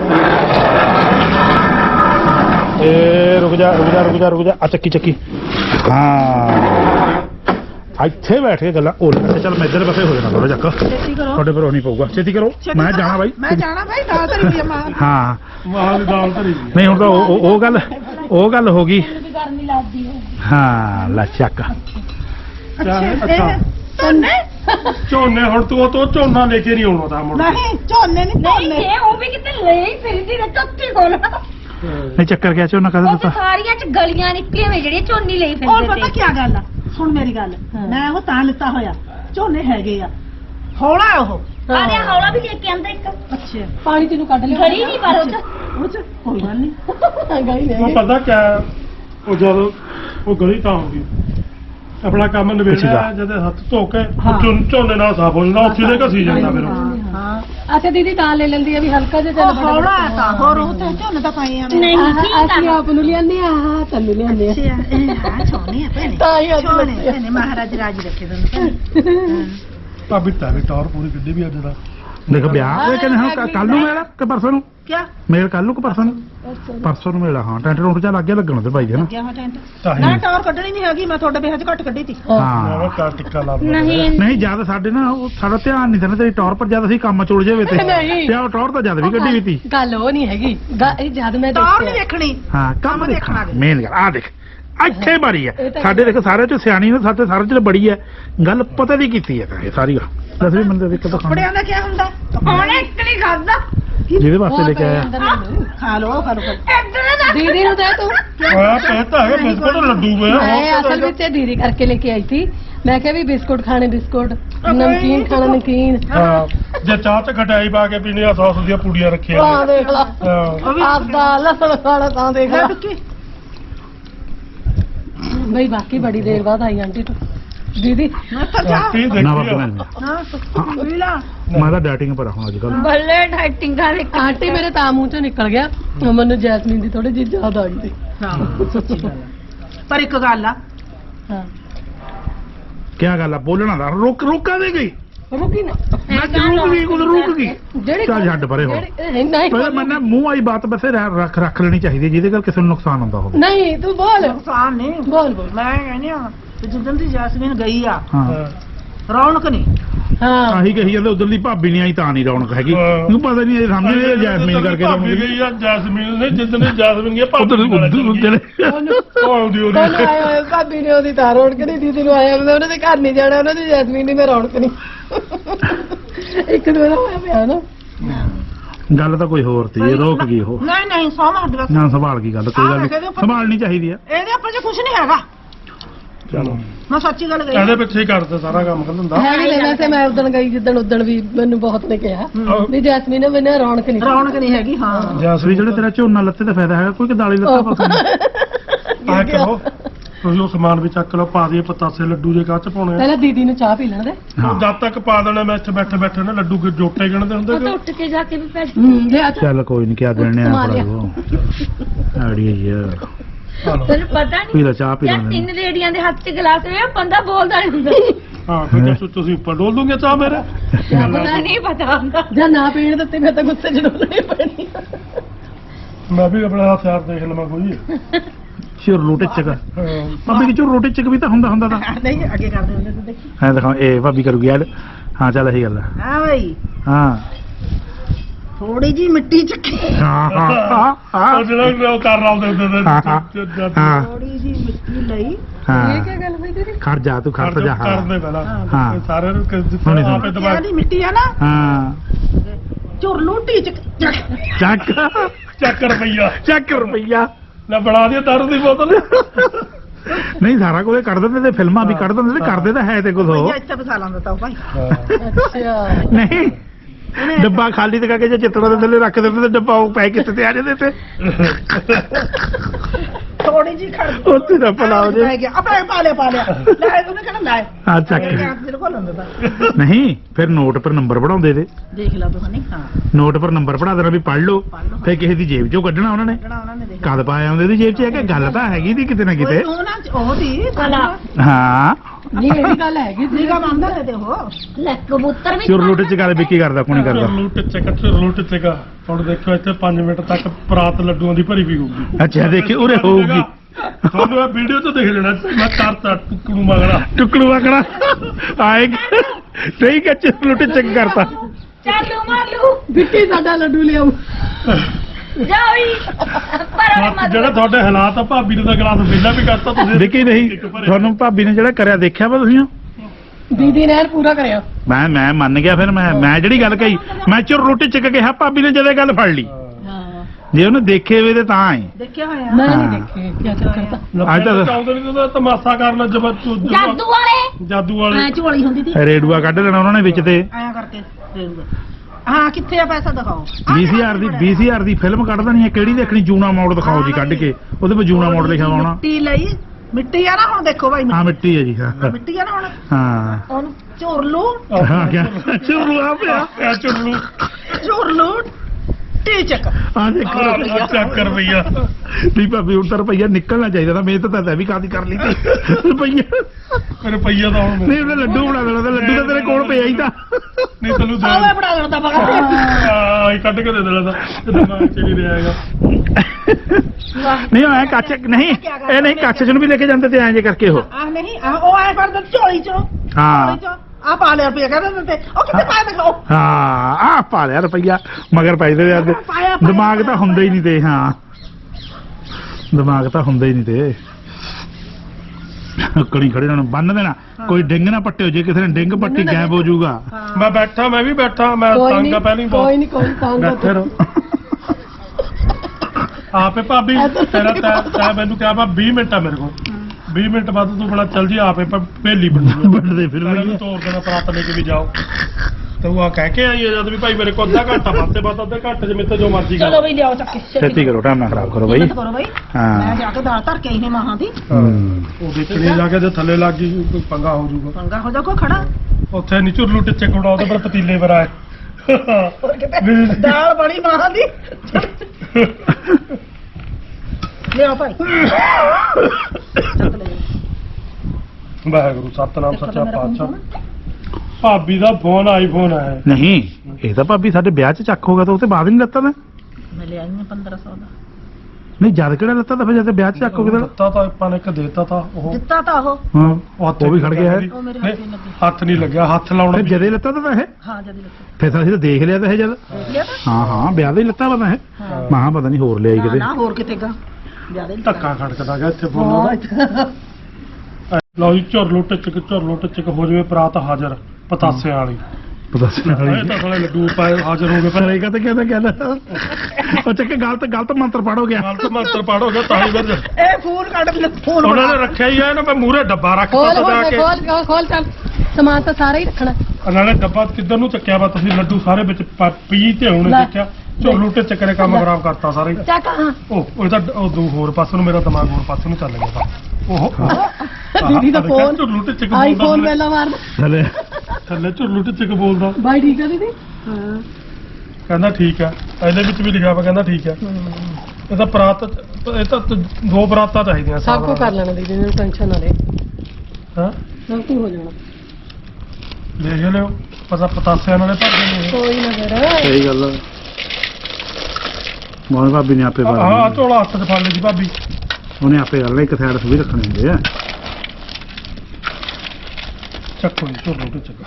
ਇਹ ਰੁਕ ਜਾ ਆ ਚੱਕੀ ਹਾਂ ਇੱਥੇ ਬੈਠ ਕੇ ਗੱਲਾਂ ਉਹ ਚੱਲ ਮੈਂ ਇੱਧਰ ਪਾਸੇ ਹੋ ਜਾਣਾ ਥੋੜਾ ਜਿਹਾ, ਤੁਹਾਡੇ ਪਰ ਹੋਣੀ ਪਊਗਾ। ਛੇਤੀ ਕਰੋ ਮੈਂ ਜਾਣਾ ਬਾਈ,
ਮੈਂ ਜਾਣਾ ਬਾਈ ਨਾਲ ਤੇਰੀ ਵੀ ਮਾਂ।
ਹਾਂ
ਮਾਂ ਦੀ ਦਾਲ ਧਰੀ
ਨਹੀਂ ਹੁਣ ਤਾਂ ਉਹ ਗੱਲ ਹੋ ਗਈ।
ਗਰਮੀ ਲੱਗਦੀ ਹੈ।
ਹਾਂ ਲੈ ਚੱਕ
ਅੱਛਾ ਝੋਨੇ ਹੁਣ ਤੂੰ ਝੋਨਾ ਲੈ ਕੇ ਨਹੀਂ ਆਉਣਾ ਤਾਂ ਮੁੜ
ਨਹੀਂ ਝੋਨੇ ਨਹੀਂ
ਨਹੀਂ
ਝੋਨੇ
ਇਹ ਉਹ ਵੀ ਕਿਤੇ ਲਈ ਫਿਰਦੀ ਨਾ ਚੱਕੀ ਕੋਲ।
ਨਹੀਂ ਚੱਕਰ ਗਿਆ ਝੋਨਾ ਕਦੇ
ਉਹ
ਦਿੱਤਾ?
ਸਾਰੀਆਂ ਚ ਗਲੀਆਂ ਨਿਕਲੀਆਂ ਹੋਈਆਂ ਜਿਹੜੀਆਂ ਝੋਨੀ ਲਈ
ਹੋਰ
ਫਿਰਦੇ
ਪਤਾ ਕੀ ਗੱਲ ਆ, ਸੁਣ ਮੇਰੀ ਗੱਲ, ਮੈਂ ਉਹ ਤਾਂ ਲਿੱਤਾ ਹੋਇਆ ਝੋਨੇ ਹੈਗੇ ਆ, ਹੌਲਾ ਉਹ
ਆ ਰਿਹਾ ਹੌਲਾ ਵੀ ਲੈ ਕੇ ਆਂਦਾ ਇੱਕ
ਅੱਛਾ
ਪਾਣੀ ਤੈਨੂੰ ਕੱਢ ਲਿਆ
ਖੜੀ ਨਹੀਂ ਪਰ
ਉਹ ਚ ਕੋਈ ਗੱਲ ਨਹੀਂ
ਗਈ
ਉਹ ਪਤਾ ਕਿਆ ਉਹ ਜਦੋਂ ਉਹ ਗਲੀ ਤਾਂ ਹੋ ਗਈ ਆਪਣਾ ਕੰਮ ਨਿਬੇੜਿਆ ਜਦੇ ਹੱਥ ਧੋ ਕੇ ਝੋਨੇ ਨਾਲ ਸਾਫ ਹੋ ਜਾਂਦਾ ਉੱਥੇ ਦੇ ਘਸੀ ਜਾਂਦਾ ਫਿਰ
ਹਾਂ
ਅੱਛਾ ਦੀਦੀ ਤਾਂ ਲੈ ਲੈਂਦੀ ਆ ਵੀ ਹਲਕਾ ਜਿਹਾ ਚੱਲ
ਹੌਲਾ ਤਾਂ ਹੋਰ ਉਹ ਤੇ ਝੋਨੇ ਤਾਂ ਪਾਈ ਆ
ਨਹੀਂ ਠੀਕ
ਅਸੀਂ
ਆ
ਆਪ ਨੂੰ ਲਿਆਂਦੇ ਆ ਤੈਨੂੰ ਲਿਆਂਦੇ ਆ
ਅੱਛਾ ਇਹ ਹਾਂ ਛੋਣੀ ਆ ਭੈਣੇ
ਤਾਂ ਹੀ ਅੱਜ
ਛੋਣੇ ਭੈਣੇ ਮਹਾਰਾਜ ਰਾਜ ਰੱਖੇ ਤੁਹਾਨੂੰ
ਭਾਬੀ ਤਾਂ ਟੌਰ ਪੂਰੀ ਕਿੱਡੀ ਵੀ ਅੱਜ ਦਾ
ਦੇਖ ਵਿਆਹ ਇਹ ਕਹਿੰਦੇ ਹਾਂ ਕੱਲ ਨੂੰ ਮੇਲ ਕਿ ਪਰਸੋਂ ਨੂੰ
ਕਿਆ
ਮੇਲ ਕੱਲ ਨੂੰ ਕਿ ਪਰਸੋਂ ਨੂੰ ਪਰਸੋਂ ਨੂੰ ਮੇਲ ਹਾਂ ਟੈਂਟ ਰੋਟ ਚਾ ਲੱਗ ਗਿਆ ਲੱਗਣ ਤੇ ਭਾਈ ਜੀ ਨਾ
ਗਿਆ ਹਾਂ ਟੈਂਟ
ਤਾਂ ਹੀ
ਨਾ ਟੌਰ ਕੱਢਣੀ ਨਹੀਂ ਹੈਗੀ ਮੈਂ ਤੁਹਾਡੇ ਵਿਆਹ 'ਚ ਘੱਟ ਕੱਢੀ ਤੀ
ਹਾਂ
ਮੈਂ ਕਾ ਟਿੱਕਾ ਲਾ
ਨਹੀਂ
ਨਹੀਂ ਜਦ ਸਾਡੇ ਨਾ ਉਹ ਸਾਡਾ ਧਿਆਨ ਨਹੀਂ ਸੀ ਨਾ ਤੇਰੀ ਟੌਰ ਪਰ ਜਦ ਅਸੀਂ ਕੰਮ ਚੁੜ ਜਾਵੇ ਤੇ
ਨਹੀਂ।
ਤੇ ਉਹ ਟੌਰ ਤਾਂ ਜਦ ਵੀ ਕੱਢੀ ਵੀ ਤੀ
ਗੱਲ ਉਹ ਨਹੀਂ ਹੈਗੀ ਇਹ ਜਦ ਮੈਂ
ਟੌਰ ਨਹੀਂ
ਦੇਖਿਆ
ਵੇਖਣੀ
ਹਾਂ ਕੰਮ
ਕੰਮ ਦੇਖਣਾ
ਦੇਖਣਾ ਮੇਨ ਗੱਲ ਆ ਦੇਖ ਇੱਥੇ ਬੜੀ ਹੈ
ਇਹ ਤਾਂ
ਸਾਡੇ ਦੇਖ ਸਾਰੇ ਚ ਸਿਆਣੀ ਨੇ ਸਾਡੇ ਸਾਰੇ ਚ ਬੜੀ ਹੈ ਗੱਲ ਪਤਾ ਦੀ ਕੀਤੀ ਹੈ ਤਾਂ ਇਹ ਸਾਰੀ ਗੱਲ ਦਸਵੀਂ ਬੰਦੇ ਦੇ ਕਿਤੋਂ ਖਾਣਾ
ਕੱਪੜਿਆਂ ਦਾ ਕੀ ਹੁੰਦਾ
ਉਹਨੇ ਇੱਕ ਨਹੀਂ ਖਾਦਾ
ਜਿਹਦੇ ਵਾਸਤੇ ਲੈ ਕੇ ਆਇਆ
ਖਾ ਲੋ ਖਾ ਲੋ
ਇੱਧਰ ਦਾ
ਦੀਦੀ ਨੂੰ ਦੇ ਤੂੰ
ਹੋਇਆ ਪਹਿਤਾ ਹੈ ਬਿਸਕੁਟ ਲੱਡੂ ਵੇ
ਮੈਂ ਅਸਲ ਵਿੱਚ ਇਹ ਦੀਦੀ ਕਰਕੇ ਲੈ ਕੇ ਆਈ ਸੀ ਮੈਂ ਕਿਹਾ ਵੀ ਬਿਸਕੁਟ ਖਾਣੇ ਬਿਸਕੁਟ ਨਮਕੀਨ ਖਾਣਾ ਨਮਕੀਨ
ਹਾਂ ਜੇ ਚਾਹ ਚ ਖਟਾਈ ਪਾ ਕੇ ਪੀਣੀ ਆ ਸੌਸ ਦੀਆਂ ਪੂੜੀਆਂ ਰੱਖੀਆਂ
ਆ
ਨੇ।
ਦੇਖ ਲਾ
ਹਾਂ।
ਆਪਦਾ ਲਸਣ ਖਾਣਾ ਤਾਂ ਦੇਖ
ਲੈ
ਲਾ
ਵਿੱਕੀ
ਬਈ ਬਾਕੀ ਬੜੀ ਦੇਰ ਬਾਅਦ ਆਈ ਆਂਟੀ ਤੂੰ ਦੀਦੀ
ਮੈਂ ਤਾਂ ਜਾ
ਕੀ
ਨਾ
ਦੇਖੀ
ਬਾਬਾ
ਆ?
ਮੈਂ
ਨਾ ਸੁੱਕੀ ਪੀ ਲਾ
ਮੈਂ ਤਾਂ ਡਾਈਟਿੰਗ ਪਰ ਹਾਂ ਅੱਜ ਕੱਲ
ਬੱਲੇ ਡਾਈਟਿੰਗ ਦਾ ਇੱਕ
ਆਂਟੀ ਮੇਰੇ ਤਾਂ ਮੂੰਹ ਚੋਂ ਨਿਕਲ ਗਿਆ ਮੈਨੂੰ ਜੈਸਮੀਨ ਦੀ ਥੋੜੀ ਜਿਹੀ ਯਾਦ ਆ ਗਈ ਸੀ
ਹਾਂ ਸੱਚੀ ਗੱਲ ਆ। ਪਰ ਇੱਕ ਗੱਲ ਆ
ਹਾਂ
ਕੀ ਗੱਲ ਆ ਬੋਲਣਾ ਦਾ ਰੁਕਾ ਦੇ ਗਈ
ਰੁਕੀ ਨਾ
ਮੈਂ ਕਿ ਰੁਕ ਗਈ ਕੁਝ ਰੁਕ ਗਈ
ਜਿਹੜੀ
ਚੱਲ ਛੱਡ ਪਰੇ ਹੋ
ਨਹੀਂ
ਪਰ ਮੈਂ ਮੂੰਹ ਆਈ ਬਾਤ ਵੈਸੇ ਰੱਖ ਲੈਣੀ ਚਾਹੀਦੀ ਹੈ ਜਿਹਦੇ ਨਾਲ ਕਿਸੇ ਨੂੰ ਨੁਕਸਾਨ ਹੁੰਦਾ ਹੋਵੇ
ਨਹੀਂ ਤੂੰ ਬੋਲ
ਨੁਕਸਾਨ ਨਹੀਂ
ਬੋਲ ਬੋਲ
ਮੈਂ ਕਹਿੰਦੀ ਆ ਤੇ ਜਦੋਂ ਦੀ ਜੈਸਮੀਨ ਗਈ ਆ
ਹਾਂ
ਹਾਂ।
ਰੌਣਕ ਨਹੀਂ
ਹਾਂ
ਆਹੀ ਕਹੀ ਜਾਂਦੇ ਉਧਰ ਦੀ ਭਾਬੀ ਨਹੀਂ ਆਈ ਤਾਂ ਨਹੀਂ ਰੌਣਕ ਹੈਗੀ
ਹਾਂ।
ਨੂੰ ਪਤਾ ਨਹੀਂ ਇਹ ਸਮਝ ਨਹੀਂ ਜੈਸਮੀਨ ਕਰਕੇ
ਭਾਬੀ
ਰੌਣਕ
ਗਈ ਆ ਜੈਸਮੀਨ ਨੇ ਜਿੱਦਨੇ ਜੈਸਮੀਨ ਗਈ ਭਾਬੀ
ਉਧਰ
ਨਾਲ ਚੱਲ ਗਈ।
ਉਧਰ
ਉਹ ਆਉਂਦੀ
ਉਹਨੂੰ
ਉਹਦੀ
ਆਇਆ ਹੋਇਆ ਭਾਬੀ ਨੇ ਉਹਦੀ ਤਾਂ ਰੌਣਕ ਨਹੀਂ ਦੀਦੀ ਨੂੰ ਆਇਆ ਹੁੰਦਾ ਉਹਨਾਂ ਦੇ ਘਰ ਨਹੀਂ ਜਾਣਾ ਉਹਨਾਂ ਦੀ ਜੈਸਮੀਨ ਦੀ ਮੈਂ ਰੌਣਕ ਨਹੀਂ ਇੱਕ ਦੋ ਦਾ ਹੋਇਆ ਪਿਆ ਨਾ
ਗੱਲ ਤਾਂ ਕੋਈ ਹੋਰ ਸੀ ਇਹ ਰੋਕ ਗਈ ਉਹ
ਨਹੀਂ ਨਹੀਂ ਸੌ ਮਾਰ ਦੇ
ਨਾ ਸੰਭਾਲ ਗਈ ਗੱਲ ਕੋਈ ਗੱਲ ਨਹੀਂ ਸੰਭਾਲਣੀ ਚਾਹੀਦੀ ਆ
ਇਹਦੇ ਆਪਾਂ 'ਚ ਕੁਝ ਨਹੀਂ ਹੈਗਾ
ਚਲੋ
ਮੈਂ ਸੱਚੀ ਗੱਲ
ਇਹਦੇ
ਕਹੀ
ਪਿੱਛੇ ਹੀ ਕਰਦਾ ਸਾਰਾ ਕੰਮ ਕਰ ਦਿੰਦਾ
ਹੈ ਵੀ ਵੈਸੇ ਮੈਂ ਉਦਣ ਗਈ ਜਿੱਦਣ ਉਦਣ ਵੀ ਮੈਨੂੰ ਬਹੁਤ ਨੇ ਕਿਹਾ ਵੀ ਜੈਸਮੀਨ ਨੇ ਮੈਨੂੰ ਰੌਣਕ ਨਹੀਂ
ਰੌਣਕ ਨਹੀਂ ਹੈਗੀ ਹਾਂ
ਜੈਸਮੀਨ
ਜਿਹੜੇ ਤੇਰਾ ਝੋਨਾ ਲੱਤੇ ਦਾ ਫਾਇਦਾ ਹੈਗਾ ਕੋਈ ਕਿ ਦਾਲੀ ਲੱਤਾ ਪਸੰਦ
ਆ ਕਰੋ ਤੁਸੀਂ ਉਹ ਸਮਾਨ ਵੀ ਚੱਕ ਲਓ ਪਾ ਦਈਏ ਪਤਾਸੇ ਲੱਡੂ ਜੇ ਕਾਹ ਚ ਪਾਉਣੇ ਆ।
ਪਹਿਲਾਂ ਦੀਦੀ ਨੂੰ ਚਾਹ ਪੀ ਲੈਣ ਦੇ
ਹਾਂ
ਜਦ ਤੱਕ ਪਾ ਦੇਣਾ ਮੈਂ ਇੱਥੇ ਬੈਠੇ ਬੈਠੇ ਨਾ ਲੱਡੂ ਕੇ ਜੋਟੇ ਗਿਣਦੇ ਹੁੰਦੇ
ਉਹ ਤਾਂ
ਕਿ
ਉੱਠ ਕੇ ਜਾ ਕੇ ਵੀ ਪੈ
ਲਿਆ ਚਾਹ।
ਚੱਲ ਕੋਈ ਨਹੀਂ ਕਿਆ ਦੇਣੇ ਆ
ਸੰਭਾਲ ਲਿਆ।
ਪੜਾ ਆੜੀ ਯਾਰ
ਤੈਨੂੰ ਪਤਾ
ਪੀ
ਨਹੀਂ
ਲੈ ਚਾਹ ਪੀ
ਯਾਰ
ਲੈਣੇ
ਤਿੰਨ ਰੇੜੀਆਂ ਦੇ ਹੱਥ 'ਚ ਗਲਾਸ ਰਿਹਾ ਬੰਦਾ ਬੋਲਦਾ ਨਹੀਂ ਹੁੰਦਾ
ਹਾਂ ਫਿਰ ਤੁਸੀਂ ਉੱਪਰ ਡੋਲ ਦੋਗੇ ਚਾਹ ਮੇਰੇ
ਪਤਾ ਨਹੀਂ ਪਤਾ ਹੁੰਦਾ
ਜਾਂ ਨਾ ਪੀਣ ਦਿੱਤੇ ਮੈਂ ਤਾਂ ਗੁੱਸੇ ਚ ਡੋਲਣੀ ਪੈਣੀ
ਮੈਂ ਵੀ ਆਪਣਾ ਹਥਿਆਰ ਦੇਖ ਲਵਾਂ ਕੋਈ
ਚੁਰ ਰੋਟੇ ਚੱਕ
ਹਾਂ।
ਭਾਬੀ ਦੀ ਚੁਰ ਰੋਟੇ ਚੱਕ ਵੀ ਤਾਂ ਹੁੰਦਾ ਤਾਂ
ਨਹੀਂ ਅੱਗੇ ਕਰਦੇ ਹੁੰਦੇ ਤੂੰ ਦੇਖੀ
ਐ ਦਿਖਾ ਇਹ ਭਾਬੀ ਕਰੂਗੀ ਯਾਰ ਹਾਂ ਚੱਲ ਇਹੀ ਗੱਲ ਆ
ਹਾਂ ਬਈ
ਹਾਂ
ਥੋੜੀ ਜੀ ਮਿੱਟੀ ਚੱਕੀ
ਹਾਂ ਹਾਂ
ਉਹ ਜਿਹੜਾ ਉਹ ਕਰ ਰਹਾ ਹੁੰਦੇ
ਹਾਂ, ਹਾਂ। ਹਾਂ
ਥੋੜੀ ਜੀ ਮਿੱਟੀ ਲਈ
ਇਹ
ਹਾਂ
ਕੀ ਗੱਲ ਹੋਈ ਦੀਦੀ
ਖੜ ਜਾ ਤੂੰ ਖੜ ਜਾ ਹਾਂ
ਕਰਦੇ ਪਹਿਲਾਂ
ਹਾਂ।
ਸਾਰਿਆਂ ਨੂੰ
ਸੁਣੀ।
ਆਪੇ ਦਬਾ
ਵਾਲੀ ਮਿੱਟੀ ਆ ਨਾ
ਹਾਂ
ਝੁਰ ਲੂਟੀ ਚ
ਚੱਕ
ਚੱਕ ਰੁਪਈਆ
ਚੱਕ ਰੁਪਈਆ
ਲੈ ਬਣਾ ਦਿਓ ਦਾਰੂ ਦੀ ਬੋਤਲ
ਨਹੀਂ ਸਾਰਾ ਕੁਝ ਕੱਢ ਦਿੰਦੇ ਤੇ ਫਿਲਮਾਂ ਵੀ ਕੱਢ ਦਿੰਦੇ ਤੇ ਕਰਦੇ ਤਾਂ ਹੈ ਤੇ ਕੁਝ ਉਹ
ਇੱਥੇ ਬਸਾ ਲਾਂਦਾ ਤਾ ਉਹ ਭਾਈ
ਅੱਛਾ
ਨਹੀਂ ਡੱਬਾ ਖਾਲੀ ਤੇ ਕਰਕੇ ਜੇ ਚਿੱਤੜਾ ਦੇ ਥੱਲੇ ਰੱਖ ਦਿੰਦੇ ਤੇ ਡੱਬਾ ਉਹ ਪੈ ਕਿੱਥੇ ਤੇ ਆ ਜਾਂਦੇ ਤੇ
ਥੋੜੀ ਜੀ ਖੜ
ਉੱਥੇ ਦਾ ਭਲਾ ਹੋ ਜੇ
ਪੈ ਗਿਆ ਆਪੇ ਪਾ ਲਿਆ ਲੈ ਉਹਨੇ ਕਹਿੰਦਾ ਲੈ
ਹਾਂ ਚੱਕ
ਤੇਰੇ ਕੋਲ ਹੁੰਦਾ ਤਾਂ
ਨਹੀਂ ਫਿਰ ਨੋਟ ਪਰ ਨੰਬਰ ਪੜਾਉਂਦੇ ਤੇ
ਦੇਖ ਲਾ ਤੂੰ ਹਨੀ ਹਾਂ
ਨੋਟ ਪਰ ਨੰਬਰ ਪੜਾ ਦੇਣਾ ਵੀ ਪੜ ਲਓ ਫਿਰ ਕਿਸੇ ਦੀ ਜੇਬ ਚੋਂ ਕੱਢਣਾ ਉਹਨਾਂ ਨੇ
ਜਿਹੜਾ ਉਹਨਾਂ ਨੇ ਦੇਖ
ਕਦ ਪਾਇਆ ਹੁੰਦੇ ਦੀ ਜੇਬ 'ਚ ਹੈ ਕਿ ਗੱਲ ਤਾਂ ਹੈਗੀ ਦੀ ਕਿਤੇ ਨਾ ਕਿਤੇ
ਉਹ ਨਾ ਉਹ ਦੀ
ਹਾਂ
ਨਹੀਂ ਇਹ ਵੀ ਗੱਲ ਹੈਗੀ ਸੀ
ਨਿਗਾ ਮੰਨਦਾ ਤੇ ਉਹ
ਲੈ ਕਬੂਤਰ ਵੀ
ਚੁਰ ਲੁੱਟ ਚ ਗੱਲ ਵਿੱਕੀ ਕਰਦਾ ਕੋਈ ਨਹੀਂ ਕਰਦਾ
ਲੁੱਟ ਚੱਕਾ ਹੁਣ ਦੇਖੋ ਇੱਥੇ 5 ਮਿੰਟ ਤੱਕ ਪਰਾਤ ਲੱਡੂਆਂ ਦੀ ਭਰੀ ਵੀ ਹੋਊਗੀ
ਅੱਛਾ ਦੇਖੀ ਉਰੇ ਹੋਊਗੀ
ਤੁਹਾਨੂੰ ਇਹ ਵੀਡੀਓ ਤੋਂ ਦੇਖ ਲੈਣਾ ਮੈਂ ਕਰ ਟੁੱਕਣੂ ਮਗੜਾ
ਟੁਕੜੂ ਆਕੜਾ ਆਏਗਾ ਨਹੀਂ ਕਿ ਚੁਰ ਲੁੱਟ ਚੱਕ ਕਰਤਾ
ਚਾਲੂ ਮਾਲੂ
ਵਿੱਕੀ ਸਾਡਾ ਲੱਡੂ ਲਿਆਉ
ਜਾਈ ਪਰ
ਜਿਹੜਾ ਤੁਹਾਡੇ ਹਾਲਾਤ ਆ ਭਾਬੀ ਨੇ ਤਾਂ ਗਲਾਸ ਵਿਹਲਾ ਵੀ ਕਰਤਾ ਤੁਸੀਂ
ਦੇਖੀ ਨਹੀਂ ਤੁਹਾਨੂੰ ਭਾਬੀ ਨੇ ਜਿਹੜਾ ਕਰਿਆ ਦੇਖਿਆ ਵਾ ਤੁਸੀਂ
ਦੀਦੀ ਨੇ ਐਨ ਪੂਰਾ ਕਰਿਆ
ਮੈਂ ਮੰਨ ਗਿਆ ਫਿਰ ਮੈਂ ਜਿਹੜੀ ਗੱਲ ਕਹੀ ਮੈਂ ਚੁਰ ਰੋਟੀ ਚੱਕ ਕੇ ਹਾਂ ਭਾਬੀ ਨੇ ਜਦੇ ਗੱਲ ਫੜ ਲਈ
ਹਾਂ
ਜੇ ਉਹਨੇ ਦੇਖੇ ਵੇ ਤੇ ਤਾਂ ਹੈ
ਦੇਖਿਆ ਹੋਇਆ
ਮੈਂ
ਹਾਂ।
ਨਹੀਂ ਦੇਖੇ ਕੀ ਚੱਕਰ ਤਾਂ
ਅੱਜ ਤਾਂ-
ਚਾਹੁੰਦੇ ਨਹੀਂ ਤਾਂ ਤਮਾਸ਼ਾ ਕਰਨਾ
ਜਾਦੂ ਵਾਲੇ
ਜਾਦੂ ਵਾਲੇ
ਐ ਝੋਲੀ ਹੁੰਦੀ ਸੀ
ਰੇਡੂਆ ਕੱਢ ਲੈਣਾ ਉਹਨਾਂ ਨੇ ਵਿੱਚ ਤੇ
ਐਂ ਕਰਕੇ ਦੇਊਗਾ ਹਾਂ ਕਿੱਥੇ ਆ ਪੈਸਾ ਦਿਖਾਓ
20,000 ਦੀ ਫਿਲਮ ਕੱਢ ਦੇਣੀ ਹੈ ਕਿਹੜੀ ਦੇਖਣੀ ਜੂਨਾ ਮੋੜ ਦਿਖਾਓ ਜੀ ਕੱਢ ਕੇ ਉਹਦੇ ਵਿੱਚ ਜੂਨਾ ਮੋੜ ਲਿਖਿਆ ਹੋਣਾ
ਮਿੱਟੀ ਲਈ ਮਿੱਟੀ ਆ ਨਾ ਹੁਣ ਦੇਖੋ ਭਾਈ
ਹਾਂ ਮਿੱਟੀ ਹੈ ਜੀ ਹਾਂ
ਮਿੱਟੀ ਆ ਨਾ ਹੁਣ
ਹਾਂ
ਉਹਨੂੰ ਝੋਰ ਲੂ
ਹਾਂ ਕਿਆ ਚੁਰਲੂ ਆ ਪਿਆ
ਚੁਰਲੂ
ਝੋਰ ਲੂ ਟੀਚਕ
ਆ ਦੇਖੋ
ਚੱਕ ਰੁਪਈਆ
ਨਹੀਂ ਭਾਬੀ ਹੁਣ ਤਾਂ ਰੁਪਈਆ ਨਿਕਲਣਾ ਚਾਹੀਦਾ ਤਾਂ ਮਿਹਨਤ ਤਾਂ ਤੈਂ ਵੀ ਕਾਦੀ ਕਰ ਲਈ ਤੇ ਰੁਪਈਆ
ਰੁਪਈਆ ਤਾਂ ਹੁਣ
ਨਹੀਂ ਉਹਨੇ ਲੱਡੂ ਬਣਾ ਦੇਣਾ ਤਾਂ ਲੱਡੂ ਤਾਂ ਤੇਰੇ ਕੋਲ ਪਿਆ ਹੀ ਤਾਂ
ਨਹੀਂ ਤੈਨੂੰ ਦੇ
ਆਵੇ ਬਣਾ ਲੈਣਾ ਤਾਂ ਮਗਰ
ਆਹ ਕੱਢ ਕੇ ਦੇ ਦੇਣਾ ਤਾਂ ਦਿਮਾਗ ਚ ਨਹੀਂ ਰਿਹਾਗਾ
ਨਹੀਂ ਐ ਕੱਚ ਨਹੀਂ ਇਹ ਨਹੀਂ ਕੱਚ ਚ ਨੂੰ ਵੀ ਲੈ ਕੇ ਜਾਂਦੇ ਤੇ ਐਂ ਜੇ ਕਰਕੇ ਉਹ
ਆਹ ਨਹੀਂ ਉਹ ਐ ਕਰ ਦਿੰਦੇ ਝੋਲੀ ਚੋਂ
ਹਾਂ
ਝੋਲੀ ਚੋਂ ਆ ਪਾ ਲਿਆ ਰੁਪਏ ਕਹਿੰਦੇ ਦਿੰਦੇ ਉਹ ਕਿੱਥੇ ਪਾਇਆ ਦਿਖਾਓ
ਹਾਂ ਆ ਪਾ ਲਿਆ ਰੁਪਈਆ ਮਗਰ ਪੈ ਦੇ ਅੱਜ ਦਿਮਾਗ ਤਾਂ ਹੁੰਦਾ ਹੀ ਨਹੀਂ ਤੇ ਹਾਂ ਦਿਮਾਗ ਤਾਂ ਹੁੰਦਾ ਹੀ ਨਹੀਂ ਤੇ ਕਣੀ ਖੜੇ ਨਾਲ ਬੰਨ ਦੇਣਾ ਕੋਈ ਡਿੰਗ ਨਾ ਪੱਟਿਓ ਜੇ ਕਿਸੇ ਨੇ ਡਿੰਗ ਪੱਟੀ ਗਾਇਬ ਹੋ ਜਾਊਗਾ
ਮੈਂ ਬੈਠਾ ਮੈਂ ਵੀ ਬੈਠਾ ਮੈਂ
ਕੋਈ
ਤੰਗ
ਨਹੀਂ
ਆ ਪਹਿਲਾਂ ਹੀ
ਕੋਈ ਨਹੀਂ ਕੋਈ ਤੰਗ ਆ
ਬੈਠੇ ਰਹੋ ਆਪੇ ਭਾਬੀ ਤੇਰਾ ਤੈਂ ਮੈਨੂੰ ਕਿਹਾ ਵਾ 20 ਮਿੰਟ ਆ ਮੇਰੇ ਕੋਲ 20 ਮਿੰਟ ਬਾਅਦ ਤੂੰ ਬੜਾ ਚੱਲ ਜੀ ਆਪੇ ਭੇਲੀ ਬਣੂ
ਵੱਢਦੇ ਫਿਰ
ਪਹਿਲਾਂ ਵੀ ਤੋੜ ਦੇਣਾ ਪ੍ਰਾਤ ਲੈ ਕੇ ਵੀ ਜਾਓ ਤੇ ਉਹ ਆ ਕਹਿ ਕੇ ਆਈ ਹੈ ਜਦ ਵੀ ਭਾਈ ਮੇਰੇ ਕੋਲ ਅੱਧਾ ਘੰਟਾ ਵਾਸਤੇ ਬਾਅਦ ਅੱਧੇ ਘੰਟੇ ਚ ਮੇਰੇ ਤੋਂ ਜੋ ਮਰਜ਼ੀ
ਚਲੋ
ਕਰ
ਬਈ ਲਿਆਓ ਚੱਕੇ
ਛੇਤੀ ਕਰੋ ਟਾਈਮ ਨਾ ਖਰਾਬ ਕਰੋ ਬਈ
ਹਿੰਮਤ ਕਰੋ ਬਈ
ਹਾਂ।
ਮੈਂ ਜਾ ਕੇ ਦਾਲ ਧਰ ਕੇ ਆਈ ਮਾਹਾਂ ਦੀ
ਉਹ ਦੇਖਣੀ ਜਾ ਕੇ ਜੇ ਥੱਲੇ ਲੱਗ ਗਈ ਕੋਈ ਪੰਗਾ ਹੋ ਜਾਊਗਾ
ਪੰਗਾ ਹੋ ਜਾ ਕੋਈ ਖੜਾ
ਉੱਥੇ ਨਹੀਂ ਝੁਰਲੂ ਟਿੱਚੇ ਕੋੜਾ ਉਹਦੇ ਪਰ ਪਤੀਲੇ ਪਰ ਆਏ
ਦਾਲ ਬਣੀ ਮਾਹਾਂ ਦੀ ਲਿਆਓ ਭਾਈ ਚੱਕ ਲੈ
ਵਾਹਿਗੁਰੂ ਸਤਨਾਮ ਸੱਚਾ ਪਾਤਸ਼ਾਹ ਭਾਬੀ ਦਾ ਫੋਨ ਆਈਫੋਨ ਆਇਆ
ਨਹੀਂ ਇਹ ਤਾਂ ਭਾਬੀ ਸਾਡੇ ਵਿਆਹ 'ਚ ਚੱਕ ਹੋ ਗਿਆ ਤਾਂ ਉਹ ਤੇ ਬਾਅਦ ਨਹੀਂ ਲੱਤਾ ਤਾਂ
ਮੈਂ ਲਿਆਈ ਹਾਂ 1500 ਦਾ
ਨਹੀਂ ਜਦ ਕਿਹੜਾ ਲੱਤਾ ਤਾਂ ਫਿਰ ਜਦ ਵਿਆਹ 'ਚ ਚੱਕ ਹੋ ਗਿਆ ਤਾਂ
ਦਿੱਤਾ ਤਾਂ ਆਪਾਂ ਨੇ ਇੱਕ ਦੇਤਾ ਤਾਂ ਉਹ
ਦਿੱਤਾ ਤਾਂ ਉਹ
ਹਾਂ
ਹੱਥ
ਉਹ ਵੀ ਖੜ ਗਿਆ ਹੈ
ਉਹ ਮੇਰੇ ਹੱਥ ਨਹੀਂ ਲੱਗੀ
ਹੱਥ ਨਹੀਂ ਲੱਗਿਆ ਹੱਥ ਲਾਉਣਾ
ਫਿਰ ਜਦੇ ਲੱਤਾ ਤਾਂ ਇਹ
ਹਾਂ ਜਦੀ ਲੱਗੀ
ਫਿਰ ਤਾਂ ਅਸੀਂ ਤਾਂ ਦੇਖ ਲਿਆ ਤਾਂ ਇਹ ਜਦ
ਦੇਖ ਲਿਆ ਤਾਂ
ਹਾਂ ਹਾਂ ਵਿਆਹ ਦਾ ਹੀ ਲੱਤਾ ਵਾ ਤਾਂ ਇਹ
ਹਾਂ
ਮਹਾ ਪਤਾ ਨਹੀਂ ਹੋਰ ਲਿਆਈ ਕਿਤੇ
ਨਾ ਹੋਰ ਕਿਤੇ ਗਾ ਜਿਆਦਾ ਹੀ
ਧੱਕਾ ਖੜਕਦਾ ਗਿਆ ਇੱਥੇ ਫੋਨ ਦਾ ਲਓ ਜੀ ਝੁਰਲੂ ਟਿੱਚਕ ਹੋ ਜਾਵੇ ਪ੍ਰਾਤ ਹਾਜ਼ਰ ਪਤਾਸਿਆਂ ਵਾਲੀ
ਪਤਾ ਸੀ ਨਾਲ
ਇਹ ਤਾਂ ਸਾਲੇ ਲੱਡੂ ਪਾਏ ਹਾਜ਼ਰ ਹੋ ਗਏ ਪਰ
ਹੀ ਕਹਤੇ ਕਹਿੰਦਾ ਉਹ ਚੱਕ ਗਲਤ ਮੰਤਰ ਪੜੋ ਗਿਆ
ਗਲਤ ਮੰਤਰ ਪਾੜੋ ਗਿਆ ਤਾਂ ਹੀ ਫਿਰ
ਇਹ ਫੋਨ ਕੱਢ ਲੈ ਫੋਨ
ਉਹਨਾਂ ਨੇ ਰੱਖਿਆ ਹੀ ਆ ਨਾ ਮੈਂ ਮੂਹਰੇ ਡੱਬਾ ਰੱਖਤਾ
ਖੋਲ
ਸਜਾ ਕੇ
ਖੋਲ ਚੱਲ ਸਮਾਨ ਤਾਂ ਸਾਰਾ ਹੀ ਰੱਖਣਾ
ਨਾਲੇ ਡੱਬਾ ਕਿੱਧਰ ਨੂੰ ਚੱਕਿਆ ਵਾ ਤੁਸੀਂ ਲੱਡੂ ਸਾਰੇ ਵਿੱਚ ਪੀ ਤੇ ਹੁਣ
ਲੈ।
ਦੇਖਿਆ ਝੁਰਲੂ ਟਿੱਚਕ ਨੇ ਕੰਮ ਖਰਾਬ ਕਰਤਾ ਸਾਰੇ ਹੀ।
ਚੱਕ ਹਾਂ
ਉਹ ਤਾਂ ਉਹ ਦੋ ਹੋਰ ਪਾਸੇ ਨੂੰ ਮੇਰਾ ਦਿਮਾਗ ਹੋਰ ਪਾਸੇ ਨੂੰ ਚੱਲ ਗਿਆ ਤਾਂ
ਦੀਦੀ ਦਾ ਫੋਨ
ਝੁਰਲੂ ਟਿੱਚਕ
ਆਈਫੋਨ
ਬੋਲਦਾ
ਪਹਿਲਾਂ ਮਾਰਦਾ
ਚਲੇ
ਥੱਲੇ ਝੁਰਲੂ ਟਿੱਚਕ ਬੋਲਦਾ
ਬਾਈ ਠੀਕ ਆ ਦੀਦੀ ਹਾਂ
ਕਹਿੰਦਾ ਠੀਕ ਆ ਇਹਦੇ ਵਿੱਚ ਵੀ ਲਿਖਿਆ ਵਾ ਕਹਿੰਦਾ ਠੀਕ ਆ ਇਹ ਤਾਂ ਪ੍ਰਾਤ ਇਹ ਤਾਂ ਦੋ ਬਰਾਤਾਂ ਚਾਹੀਦੀਆਂ
ਸਭ ਕੁਝ ਕਰ ਲੈਣਾ ਦੀਦੀ ਨੂੰ ਟੈਨਸ਼ਨ ਨਾ ਲੈ
ਹਾਂ
ਸਭ ਕੁਝ ਹੋ ਜਾਣਾ
ਦੇਖ ਲਿਓ ਪਤਾਸਿਆਂ ਨਾਲੇ ਭਰ ਦੇਣੇ
ਕੋਈ ਨਾ ਫਿਰ
ਸਹੀ ਗੱਲ ਆ ਮੋਹਨ ਭਾਬੀ ਨੇ ਆਪੇ
ਹਾਂ
ਬਾਹਰ
ਝੋਲਾ ਹੱਥ 'ਚ ਫੜ ਲਈ ਜੀ ਭਾਬੀ
ਉਹਨੇ ਆਪੇ ਗੱਲ ਇੱਕ ਸਾਈਡ ਵੀ ਰੱਖਣੇ ਹੁੰਦੇ ਆ
ਚੱਕੋ ਜੀ ਝੁਰਲੂ ਟਿੱਚਕ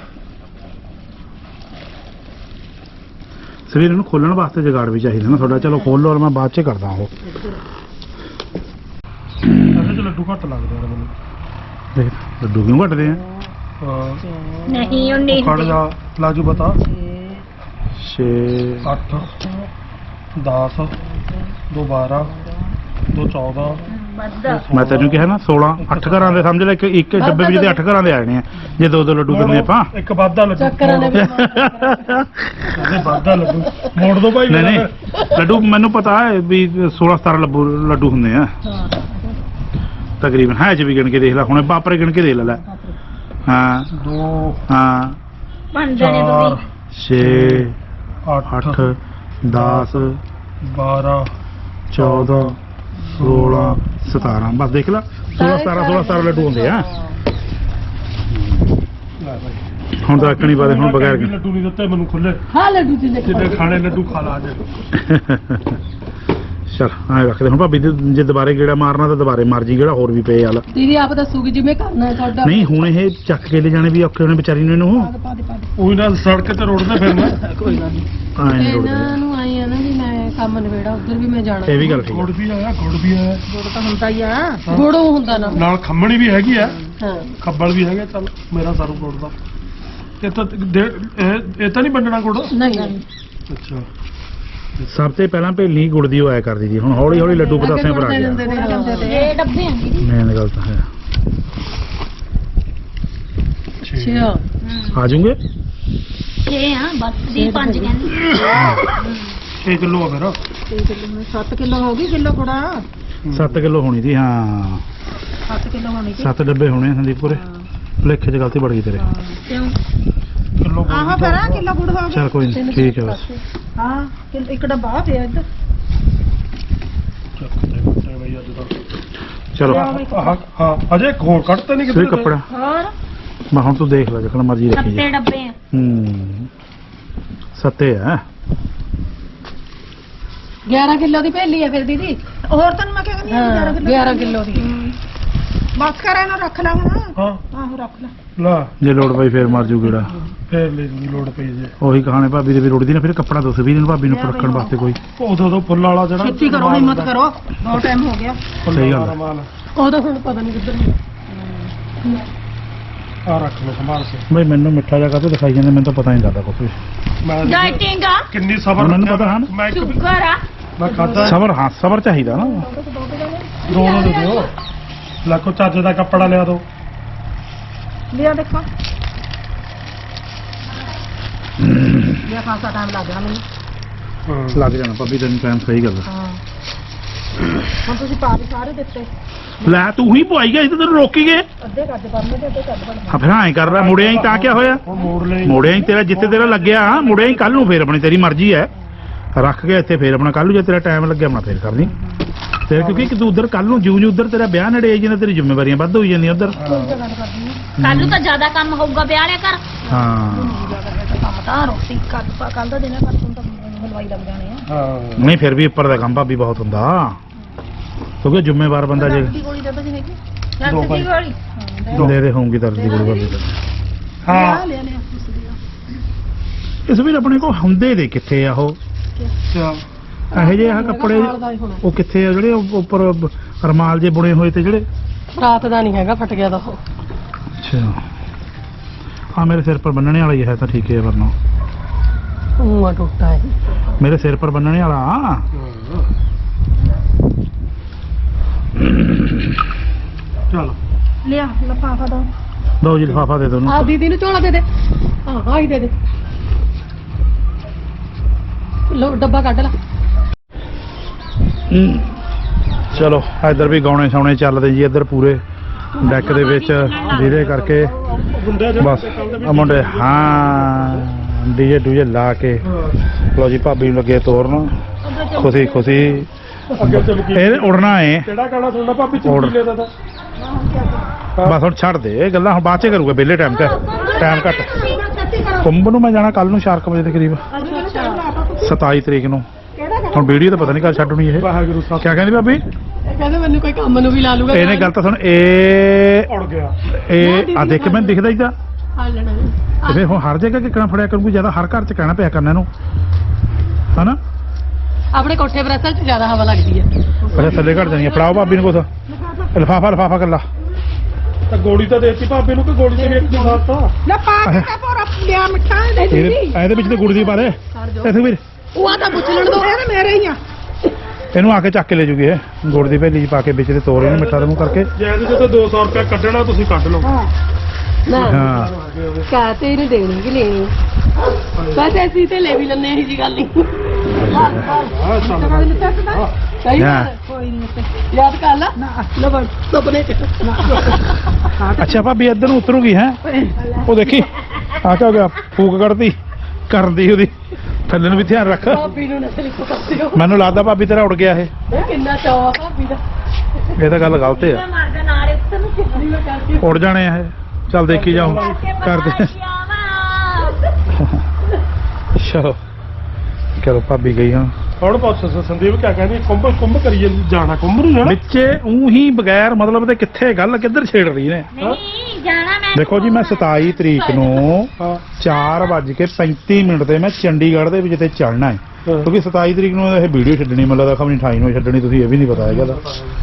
ਸਵੇਰ ਨੂੰ ਖੋਲਣ ਵਾਸਤੇ ਜਗਾੜ ਵੀ ਚਾਹੀਦਾ ਨਾ ਤੁਹਾਡਾ ਚਲੋ ਖੋਲ ਲਓ ਮੈਂ ਬਾਅਦ 'ਚ ਕਰਦਾ ਉਹ
ਇਹਦੇ 'ਚ ਲੱਡੂ ਘੱਟ ਲੱਗਦੇ ਨੇ ਮੈਨੂੰ
ਦੇਖ ਲੱਡੂ ਕਿਉਂ ਘਟਦੇ ਆ
ਹਾਂ
ਨਹੀਂ ਉਹ ਨਹੀਂ
ਖੜ ਜਾ ਲਾਜੂ ਬਤਾ
6
8 10 2 12 2 14
ਵੱਧਾ
ਮੈਂ ਤੈਨੂੰ ਕਿਹਾ ਨਾ 16 8 ਘਰਾਂ ਦੇ ਸਮਝ ਲੈ ਇੱਕ ਡੱਬੇ ਵਿੱਚ ਦੇ 8 ਘਰਾਂ ਦੇ ਆਣੇ ਆ ਜੇ ਦੋ ਲੱਡੂ ਦਿੰਦੇ ਆਪਾਂ
ਇੱਕ ਵਾਧਾ ਲੱਡੂ
ਚੱਕਰਾਂ ਨੇ ਵੀ
ਇਹਦੇ ਵਾਧਾ ਲੱਡੂ ਮੋੜ ਦੋ ਭਾਈ
ਨਹੀਂ ਨਹੀਂ ਲੱਡੂ ਮੈਨੂੰ ਪਤਾ ਹੈ ਵੀ 16 17 ਲੱਡੂ ਹੁੰਦੇ ਆ ਤਕਰੀਬਨ ਹੈ ਚ ਵੀ ਗਿਣ ਕੇ ਦੇਖ ਲੈ ਹੁਣ ਬਾਪਰੇ ਗਿਣ ਕੇ ਦੇਖ ਲੈ ਹਾਂ
2
ਹਾਂ
ਬਣਦੇ ਨੇ
4
ਤੁਸੀਂ
6
8
8 10
12
14 16 17 ਬਸ ਦੇਖ ਲੈ 16 ਲੱਡੂ ਹੁੰਦੇ ਆ
ਲੈ ਭਾਈ
ਹੁਣ ਤਾਂ ਅੱਕਣੀ ਬਾਦੇ ਹੁਣ ਬਗੈਰ ਗਿਣ-
ਲੱਡੂ ਨਹੀਂ ਦਿੱਤੇ ਮੈਨੂੰ ਖੁੱਲੇ
ਹਾਂ ਲੱਡੂ ਜਿੰਨੇ
ਜਿੰਨੇ ਖਾਣੇ ਲੱਡੂ ਖਾ ਲਾ ਅੱਜ
ਚਲ ਐਂ ਰੱਖਦੇ ਹੁਣ ਭਾਬੀ ਜੇ ਦੁਬਾਰੇ ਗੇੜਾ ਮਾਰਨਾ ਤਾਂ ਦੁਬਾਰੇ ਮਾਰ ਜੀ ਗੇੜਾ ਹੋਰ ਵੀ ਪਏ ਹਾਲ
ਦੀਦੀ ਆਪ ਦੱਸੂਗੀ ਜਿਵੇਂ ਕਰਨਾ ਹੈ ਤੁਹਾਡਾ
ਨਹੀਂ ਹੁਣ ਇਹ ਚੱਕ ਕੇ ਲੈ ਜਾਣੇ ਵੀ ਔਖੇ ਹੋਣੇ ਵਿਚਾਰੀ ਨੂੰ ਇਹਨੂੰ
ਪਾ ਦੇ
ਉਹੀ ਨਾਲ ਸੜਕ ਤੇ ਰੋੜਦੇ ਫਿਰਨਾ
ਕੋਈ ਗੱਲ ਨਹੀਂ
ਐਂ ਨੀ
ਇਹਨਾਂ
ਰੁੜਦੇ
ਨੂੰ ਆਈ ਆ ਨਾ ਵੀ ਮੈਂ ਕੰਮ ਨਵੇੜਾ ਉਧਰ ਵੀ ਮੈਂ ਜਾਣਾ
ਇਹ ਵੀ ਗੱਲ ਠੀਕ
ਗੁੜ
ਹੈ
ਵੀ ਆਇਆ ਗੁੜ ਵੀ ਆਇਆ
ਗੁੜ ਤਾਂ ਹੁੰਦਾ ਹੀ ਆ
ਗੋੜੋ ਹੁੰਦਾ ਨਾ
ਨਾਲ ਖੰਮਣੀ ਵੀ ਹੈਗੀ ਆ
ਹਾਂ
ਖੱਬਲ ਵੀ ਹੈਗਾ ਚੱਲ ਮੇਰਾ ਸਾਰੂ ਗੁੜ ਦਾ ਇਹ ਤਾਂ ਇਹ ਤਾਂ ਨਹੀਂ ਵੰਡਣਾ ਗੁੜ
ਨਹੀਂ
ਅੱਛਾ
ਸਭ ਤੋਂ ਪਹਿਲਾਂ ਭੇਲੀ ਗੁੜ ਦੀ ਆਇਆ ਕਰਦੀ ਸੀ, ਹੁਣ ਹੌਲੀ ਹੌਲੀ ਲੱਡੂ ਪਤਾਸਿਆਂ ਪਰ ਆ ਗਿਆ।
ਇਹ ਡੱਬੇ ਆ ਦੀਦੀ
ਮੇਨ ਗੱਲ ਤਾਂ ਹੈ
ਅੱਛਾ
ਆ ਜੂਗੇ
6 ਆ ਬਸ ਦੀ 5 ਕਹਿੰਦੀ
6 ਕਿਲੋ ਆ ਫਿਰ
7 ਕਿਲੋ ਹੋ ਗਈ ਕਿਲੋ ਕੁੜਾ
7 ਕਿਲੋ ਹੋਣੀ ਸੀ ਹਾਂ
7 ਕਿਲੋ ਹੋਣੀ ਸੀ
7 ਡੱਬੇ ਹੋਣੇ ਸੰਦੀਪ ਪੂਰੇ ਭੁਲੇਖੇ 'ਚ ਗਲਤੀ ਬੜ ਗਈ ਤੇਰੇ
ਕਿਉਂ
ਕਿਲੋ
ਆਹ ਫਿਰ ਕਿਲੋ ਗੁੜ ਹੋ ਗਿਆ
ਚਲ ਕੋਈ ਨਹੀਂ ਠੀਕ ਹੈ ਬਸ
ਹਾਂ ਇੱਕ ਡੱਬਾ ਪਿਆ ਇੱਧਰ
ਚਲੋ
ਹਾਂ ਅਜੇ ਹੋਰ ਕੱਢਤੇ ਨਹੀਂ
ਸਹੀ ਕੱਪੜਾ
ਹੋਰ
ਮੈਂ ਹੁਣ ਤੂੰ ਦੇਖ ਲੈ ਜਿਕਣਾ ਮਰਜ਼ੀ ਰੱਖੀ ਜਾ
7 ਡੱਬੇ ਆ
ਸੱਤੇ ਆ
11 ਕਿਲੋ ਦੀ ਭੇਲੀ ਆ ਫਿਰ ਦੀਦੀ
ਹੋਰ ਤੈਨੂੰ ਮੈਂ ਕਹਿੰਦੀ
ਹਾਂ 11 ਕਿਲੋ ਦੀ
ਬਸ ਕਰ ਇਹਨੂੰ ਰੱਖ ਲਾ ਹੁਣ
ਹਾਂ
ਆਹੋ ਰੱਖ ਲੈ
ਲਾ
ਜੇ ਲੋੜ ਪਈ ਫੇਰ ਮਰ ਜੂ ਗੇੜਾ
ਫੇਰ ਲੈ ਜੀ ਲੋੜ ਪਈ ਜੇ
ਉਹੀ ਕਹਾਣੇ ਭਾਬੀ ਦੇ ਵੀ ਰੁੜਦੀ ਨਾ ਫਿਰ ਕੱਪੜਾ ਦੱਸ ਵੀ ਇਹਨੂੰ ਭਾਬੀ ਨੂੰ ਰੱਖਣ ਵਾਸਤੇ ਕੋਈ
ਉਦੋਂ ਫੁੱਲ ਵਾਲਾ ਜਿਹੜਾ
ਛੇਤੀ ਕਰੋ ਹਿੰਮਤ ਕਰੋ ਬਹੁਤ ਟਾਈਮ ਹੋ ਗਿਆ
ਸਹੀ ਗੱਲ ਹੈ।
ਮਾਲ
ਉਹਦਾ ਹੁਣ ਪਤਾ ਨਹੀਂ ਕਿੱਧਰ
ਆ ਰੱਖ ਲਓ ਸੰਭਾਲ ਕੇ
ਬਈ ਮੈਨੂੰ ਮਿੱਠਾ ਜਿਹਾ ਕਾਹਤੋਂ ਦਿਖਾਈ ਜਾਂਦਾ, ਮੈਨੂੰ ਤਾਂ ਪਤਾ ਨਹੀਂ ਲੱਗਦਾ ਕੁਝ
ਮੈਂ
ਡਾਈਟਿੰਗ ਆ
ਕਿੰਨੀ ਸਬਰ
ਮੈਨੂੰ ਪਤਾ ਹਨ।
ਮੈਂ ਇੱਕ ਵੀ-
ਸ਼ੂਗਰ ਆ
ਮੈਂ ਖਾਦਾ
ਸਬਰ ਹਾਂ ਸਬਰ ਚਾਹੀਦਾ ਨਾ
ਦੋ ਦੇ ਦਿਓ ਲੱਖੋ ਚੱਜ ਦਾ ਕੱਪੜਾ ਲਿਆ ਦੋ
ਲਿਆ ਦੇਖੋ ਲਿਆ ਖਾਸਾ ਟਾਈਮ ਲੱਗ ਗਿਆ ਮੈਨੂੰ
ਲੱਗ ਜਾਣਾ ਭਾਬੀ ਤੈਨੂੰ ਟਾਈਮ ਸਹੀ ਗੱਲ ਹੈ।
ਹਾਂ ਹੁਣ ਤੁਸੀਂ ਪਾ ਵੀ ਸਾਰੇ ਦਿੱਤੇ
ਲੈ ਤੂੰ ਹੀ ਪਵਾਈ ਗਿਆ ਸੀ ਤੇ ਤੈਨੂੰ ਰੋਕੀ ਗਏ
ਅੱਧੇ ਕੱਢ ਬੰਨੇ ਤੇ ਅੱਧੇ ਕੱਢ ਬੰਨੇ
ਹਾਂ ਫਿਰ ਐਂ ਕਰ ਲੈ ਮੁੜਿਆ ਹੀ ਤਾਂ ਕਿਆ ਹੋਇਆ
ਉਹ ਮੋੜ ਲੈ
ਮੁੜਿਆ ਹੀ ਤੇਰਾ ਜਿੱਥੇ ਤੇਰਾ ਲੱਗਿਆ ਮੁੜਿਆ ਹੀ ਕੱਲ ਨੂੰ ਫੇਰ ਆਪਣੀ ਤੇਰੀ ਮਰਜ਼ੀ ਹੈ ਰੱਖ ਕੇ ਇੱਥੇ ਫੇਰ ਆਪਣਾ ਕੱਲ ਨੂੰ ਜੇ ਤੇਰਾ ਟਾਈਮ ਲੱਗਿਆ ਆਪਣਾ ਫੇਰ ਕਰਨੀ ਤੇ ਕਿਉਂਕਿ ਕਿ ਤੂੰ ਉਧਰ ਕੱਲ ਨੂੰ ਜਿਉਂ ਉਧਰ ਤੇਰਾ ਵਿਆਹ ਨੇੜੇ ਆਈ ਜਾਂਦਾ ਤੇਰੀ ਜ਼ਿੰਮੇਵਾਰੀਆਂ ਵੱਧ ਹੋਈ ਜਾਂਦੀਆਂ ਉਧਰ
ਕੱਲ ਨੂੰ ਤਾਂ ਜ਼ਿਆਦਾ ਕੰਮ ਹੋਊਗਾ ਵਿਆਹ ਵਾਲੇ ਘਰ
ਹਾਂ
ਕੰਮ ਤਾਂ ਰੋਟੀ ਕੱਲ ਦਾ ਦਿਨ ਹੈ ਪਰਸੋਂ ਤਾਂ ਹਲਵਾਈ ਲੱਗ ਜਾਣੇ ਆ
ਹਾਂ
ਨਹੀਂ ਫਿਰ ਵੀ ਉੱਪਰ ਦਾ ਕੰਮ ਭਾਬੀ ਬਹੁਤ ਹੁੰਦਾ ਕਿਉਂਕਿ ਜ਼ਿੰਮੇਵਾਰ ਬੰਦਾ ਜੇ
ਦੀ ਗੋਲੀ ਦੱਬ ਜੀ ਹੈਗੀ
ਦੋ
ਰੱਖ ਦੀ
ਭਾਈ।
ਗੋਲੀ
ਦੇ ਦੇ ਹੋਊਗੀ ਦਰਦ ਦੀ ਗੋਲੀ ਭਾਬੀ
ਹਾਂ
ਲਿਆ ਲਿਆ
ਇਸ ਵੀ ਆਪਣੇ ਕੋਲ ਹੁੰਦੇ ਦੇ ਕਿੱਥੇ ਆ ਉਹ
ਚੱਲ
ਇਹੋ ਜਿਹੇ ਆ ਕੱਪੜੇ ਉਹ ਕਿੱਥੇ ਆ ਜਿਹੜੇ ਉਹ ਉੱਪਰ ਰਮਾਲ ਜੇ ਬੁਣੇ ਹੋਏ ਤੇ ਜਿਹੜੇ
ਰਾਤ ਦਾ ਨਹੀਂ ਹੈਗਾ ਫਟ ਗਿਆ ਦਾ ਉਹ
ਅੱਛਾ ਹਾਂ ਮੇਰੇ ਸਿਰ ਪਰ ਬੰਨਣੇ ਵਾਲਾ ਹੀ ਹੈ ਤਾਂ ਠੀਕ ਹੈ ਵਰਨਾ
ਉਹ ਟੁੱਟਾ ਹੈ
ਮੇਰੇ ਸਿਰ ਪਰ ਬੰਨਣੇ ਵਾਲਾ
ਚਲ
ਲਿਆ ਲਫਾਫਾ ਦੋ
ਦੋ ਜੀ ਲਿਫਾਫਾ ਦੇ ਦੋ
ਆ
ਉਹਨੂੰ
ਦੀਦੀ ਨੂੰ ਝੋਲਾ ਦੇ ਦੇ ਹਾਂ ਹੀ ਦੇ ਦੇ ਲੋ ਡੱਬਾ ਕੱਢ ਲੈ
ਚਲੋ ਇੱਧਰ ਵੀ ਗਾਉਣੇ ਸੌਣੇ ਚੱਲਦੇ ਜੀ ਇੱਧਰ ਪੂਰੇ ਡੈਕ ਦੇ ਵਿੱਚ ਜਿਹਦੇ ਕਰਕੇ
ਗੁੰਡੇ
ਬਸ ਆ ਮੁੰਡੇ ਹਾਂ ਡੀਜੇ ਡੂਜੇ ਲਾ ਕੇ ਲੋ ਜੀ ਭਾਬੀ ਨੂੰ ਲੱਗੇ ਤੋਰਨ ਖੁਸ਼ੀ ਖੁਸ਼ੀ
ਅੱਗੇ ਚੱਲ ਗਈ
ਇਹ ਉੜਨਾ ਏ
ਕਿਹੜਾ ਗਾਣਾ ਸੁਣਨਾ ਭਾਬੀ
ਹੋਰ।
ਚੁੱਕੀ ਲੈਦਾ ਤਾਂ
ਬਸ ਹੁਣ ਛੱਡ ਦੇ ਇਹ ਗੱਲਾਂ ਹੁਣ ਬਾਅਦ ਚ ਕਰੂਗਾ ਵਿਹਲੇ ਟਾਈਮ ਤੇ ਟਾਈਮ ਘੱਟ ਕੁੰਭ ਨੂੰ ਮੈਂ ਜਾਣਾ ਕੱਲ ਨੂੰ 4 ਵਜੇ ਦੇ ਕਰੀਬ 27 ਤਰੀਕ ਨੂੰ ਹੁਣ ਵੀਡੀਓ ਤਾਂ ਪਤਾ ਨਹੀਂ ਕਦ ਛੱਡਣੀ ਇਹ
ਵਾਹਿਗੁਰੂ ਸਾਹਿਬ
ਕਿਆ ਕਹਿੰਦੀ ਭਾਬੀ
ਇਹ ਕਹਿੰਦੇ ਮੈਨੂੰ ਕੋਈ ਕੰਮ ਨੂੰ ਵੀ ਲਾ ਲੂਗਾ
ਇਹਨੇ ਗੱਲ ਤਾਂ ਸੁਣ ਇਹ
ਉੜ ਗਿਆ
ਇਹ ਆ ਦੇਖ ਮੈਨੂੰ ਦਿਖਦਾ ਹੀ ਤਾਂ
ਹਾਂ ਲੈਣਾ
ਤੇ ਫਿਰ ਹੁਣ ਹਰ ਜਗ੍ਹਾ ਕਿੱਕਣਾ ਫੜਿਆ ਕਰੂਗੀ ਜਿਆਦਾ ਹਰ ਘਰ ਚ ਕਹਿਣਾ ਪਿਆ ਕਰਨਾ ਇਹਨੂੰ ਹਨਾ
ਆਪਣੇ ਕੋਠੇ ਪਰ ਅਸਲ ਚ ਜ਼ਿਆਦਾ ਹਵਾ ਲੱਗਦੀ ਹੈ
ਅੱਛਾ ਥੱਲੇ ਘੜ ਜਾਣੀ ਆ। ਫੜਾਓ ਭਾਬੀ ਨੂੰ ਕੁਛ ਲਿਫਾਫਾ ਕੱਲਾ
ਤਾਂ ਗੋਲੀ ਤਾਂ ਦੇਤੀ ਭਾਬੀ ਨੂੰ ਕਿ ਗੋਲੀ ਤੇ ਵੇਖ ਕੇ ਸਾਤਾ
ਲੈ ਪਾ ਕੇ ਤਾਂ ਪੂਰਾ ਲਿਆ ਮਿੱਠਾ ਦੇ
ਇਹਦੇ ਵਿੱਚ ਤੇ ਗੁੜ ਦੀ ਪਾ ਦੇ ਇੱਥੇ ਵੀਰ
ਉਹ ਆ ਤਾਂ ਪੁੱਛ ਲੈਣ ਦੋ
ਇਹ ਮੇਰੇ ਹੀ ਆ
ਇਹਨੂੰ ਆ ਕੇ ਚੱਕ ਕੇ ਲੈ ਜੂਗੀ ਇਹ ਗੁੜ ਦੀ ਭੇਲੀ ਚ ਪਾ ਕੇ ਵਿੱਚ ਤੇ ਤੋੜ ਇਹਨੂੰ ਮਿੱਠਾ ਦੇ ਮੂੰਹ ਕਰਕੇ
ਜੇ ਇਹਦੇ ਤੇ 200 ਰੁਪਏ ਕੱਢਣਾ ਤੁਸੀਂ ਕੱਢ ਲਓ
ਨਾ
ਹਾਂ
ਕਾ ਤੇ ਇਹਨੂੰ ਦੇਣੀ ਕਿ ਲੈਣੀ ਬਸ ਅਸੀਂ ਤੇ ਲੈ ਵੀ ਲੈਣੇ ਇਹ ਜੀ ਗੱਲ ਨਹੀਂ
ਹਾਂ ਚੱਲ
ਸਹੀ
ਹਾਂ।
ਗੱਲ ਕੋਈ ਨਹੀਂ ਯਾਦ ਕਰ ਲਾ ਨਾ ਬਸ ਸੁਪਨੇ ਚ
ਅੱਛਾ ਭਾਬੀ ਇੱਧਰ ਨੂੰ ਉਤਰੂਗੀ ਹੈ ਉਹ ਦੇਖੀ ਆ ਕਿਆ ਹੋ ਗਿਆ ਫੂਕ ਕੱਢਦੀ ਕਰਦੀ ਉਹਦੀ ਥੱਲੇ ਨੂੰ ਵੀ ਧਿਆਨ ਰੱਖ
ਭਾਬੀ ਨੂੰ ਨਾ ਲਿਖੋ ਕਰਦੇ ਹੋ
ਮੈਨੂੰ ਲੱਗਦਾ ਭਾਬੀ ਤੇਰਾ ਉੜ ਗਿਆ ਇਹ
ਇਹ ਕਿੰਨਾ ਚਾਅ ਆ ਭਾਬੀ ਦਾ
ਇਹ ਤਾਂ ਗੱਲ ਗਲਤ ਆ
ਮਾਰਦਾ ਨਾਲੇ ਉੱਤੇ ਨੂੰ
ਨਹੀਂ ਮੈਂ ਕਰਕੇ
ਉੜ ਜਾਣੇ ਆ ਇਹ ਚੱਲ ਦੇਖੀ ਜਾਓ ਕਰਦੇ ਚਲੋ ਚਲੋ ਭਾਬੀ ਗਈ ਹਾਂ
ਹੁਣ ਪੁੱਛ ਸੰਦੀਪ ਕਿਆ ਕਹਿੰਦੀ ਕੁੰਭ ਕਰੀਏ ਜਾਣਾ ਕੁੰਭ ਨੂੰ ਜਾਣਾ
ਵਿੱਚੇ ਉਹੀ ਬਗੈਰ ਮਤਲਬ ਤੇ ਕਿੱਥੇ ਗੱਲ ਕਿੱਧਰ ਛੇੜ ਰਹੀ ਨੇ
ਨਹੀਂ ਜਾਣਾ ਮੈਂ
ਦੇਖੋ ਜੀ ਮੈਂ 27 ਤਰੀਕ ਨੂੰ
ਹਾਂ
4:35 ਤੇ ਮੈਂ ਚੰਡੀਗੜ੍ਹ ਦੇ ਵਿੱਚ ਤੇ ਚੜਨਾ ਹੈ ਕਿਉਂਕਿ 27 ਤਰੀਕ ਨੂੰ ਇਹ ਵੀਡੀਓ ਛੱਡਣੀ ਮੈਨੂੰ ਲੱਗਦਾ ਖਬਰ 28 ਨੂੰ ਛੱਡਣੀ ਤੁਸੀਂ ਇਹ ਵੀ ਨਹੀਂ ਪਤਾ ਹੈਗਾ ਦਾ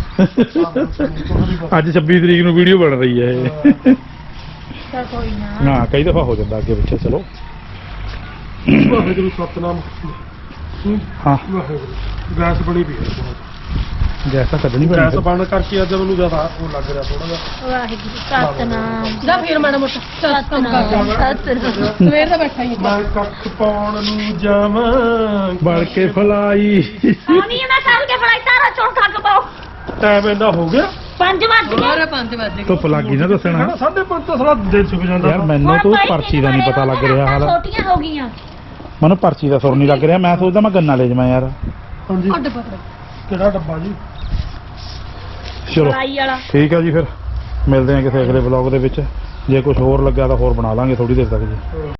ਅੱਜ 26 ਤਰੀਕ ਨੂੰ ਵੀਡੀਓ ਬਣ ਰਹੀ ਹੈ ਇਹ
ਤਾਂ ਕੋਈ ਨਾ
ਨਾ ਕਈ ਦਫਾ ਹੋ ਜਾਂਦਾ ਅੱਗੇ ਪਿੱਛੇ ਚਲੋ
ਵਾਹਿਗੁਰੂ ਸਤਨਾਮ
ਹਾਂ
ਵਾਹਿਗੁਰੂ ਗੈਸ ਬਣੀ ਪਈ ਹੈ ਬਹੁਤ।
ਗੈਸ ਤਾਂ ਕੱਢਣੀ
ਗੈਸ
ਪੈਣੀ
ਬੰਦ ਕਰਕੇ ਅੱਜ ਮੈਨੂੰ ਜ਼ਿਆਦਾ ਉਹ ਲੱਗ ਰਿਹਾ ਥੋੜਾ ਜਿਹਾ।
ਵਾਹਿਗੁਰੂ ਸਤਨਾਮ
ਜਾ ਫੇਰ ਮਾੜਾ ਮੋਟਾ ਚੱਲ ਕੰਮ ਕਰ
ਸਤਨਾਮ
ਸਵੇਰ ਦਾ ਬੈਠਾ ਹੀ
ਮੈਂ ਕੱਖ ਪਾਉਣ ਨੂੰ ਜਾਵਾਂ
ਬੜ ਕੇ ਫਲਾਈ
ਆਉਣੀ ਹੈ ਮੈਂ ਚੱਲ ਕੇ ਫੜਾਈ ਤਾਰਾ ਚੋਂ ਖੱਗ ਪਾਓ
ਟਾਈਮ ਇੰਨਾ ਹੋ ਗਿਆ
5 ਵੱਜ ਗਏ
ਹੋਰ 5 ਵਜੇ
ਧੁੱਪ ਲੱਗ ਗਈ ਨਾ ਦੱਸਣਾ
5:30 ਤਾਂ ਸਾਰਾ ਦਿਨ ਸੁੱਕ ਜਾਂਦਾ
ਯਾਰ ਮੈਨੂੰ
ਹੁਣ
ਤਾਂ
ਭਾਈ
ਪਰਚੀ ਦਾ ਨਹੀਂ ਪਤਾ ਲੱਗ ਰਿਹਾ ਹਾਲ
ਛੋਟੀਆਂ ਹੋ ਗਈਆਂ
ਮੈਨੂੰ ਪਰਚੀ ਦਾ ਸੁਰ ਨਹੀਂ ਲੱਗ ਰਿਹਾ ਮੈਂ ਸੋਚਦਾ ਮੈਂ ਗੰਨਾ ਲੈ ਜਾਵਾਂ ਯਾਰ
ਹਾਂਜੀ
ਅੱਡ ਪਕੜ
ਕਿਹੜਾ ਡੱਬਾ ਜੀ
ਚਲੋ
ਫੜਾਈ ਵਾਲਾ
ਠੀਕ ਆ ਜੀ ਫਿਰ ਮਿਲਦੇ ਹਾਂ ਕਿਸੇ ਅਗਲੇ ਵਲੌਗ ਦੇ ਵਿੱਚ ਜੇ ਕੁਝ ਹੋਰ ਲੱਗਾ ਤਾਂ ਹੋਰ ਬਣਾ ਲਾਂਗੇ ਥੋੜੀ ਦੇਰ ਤੱਕ ਜੀ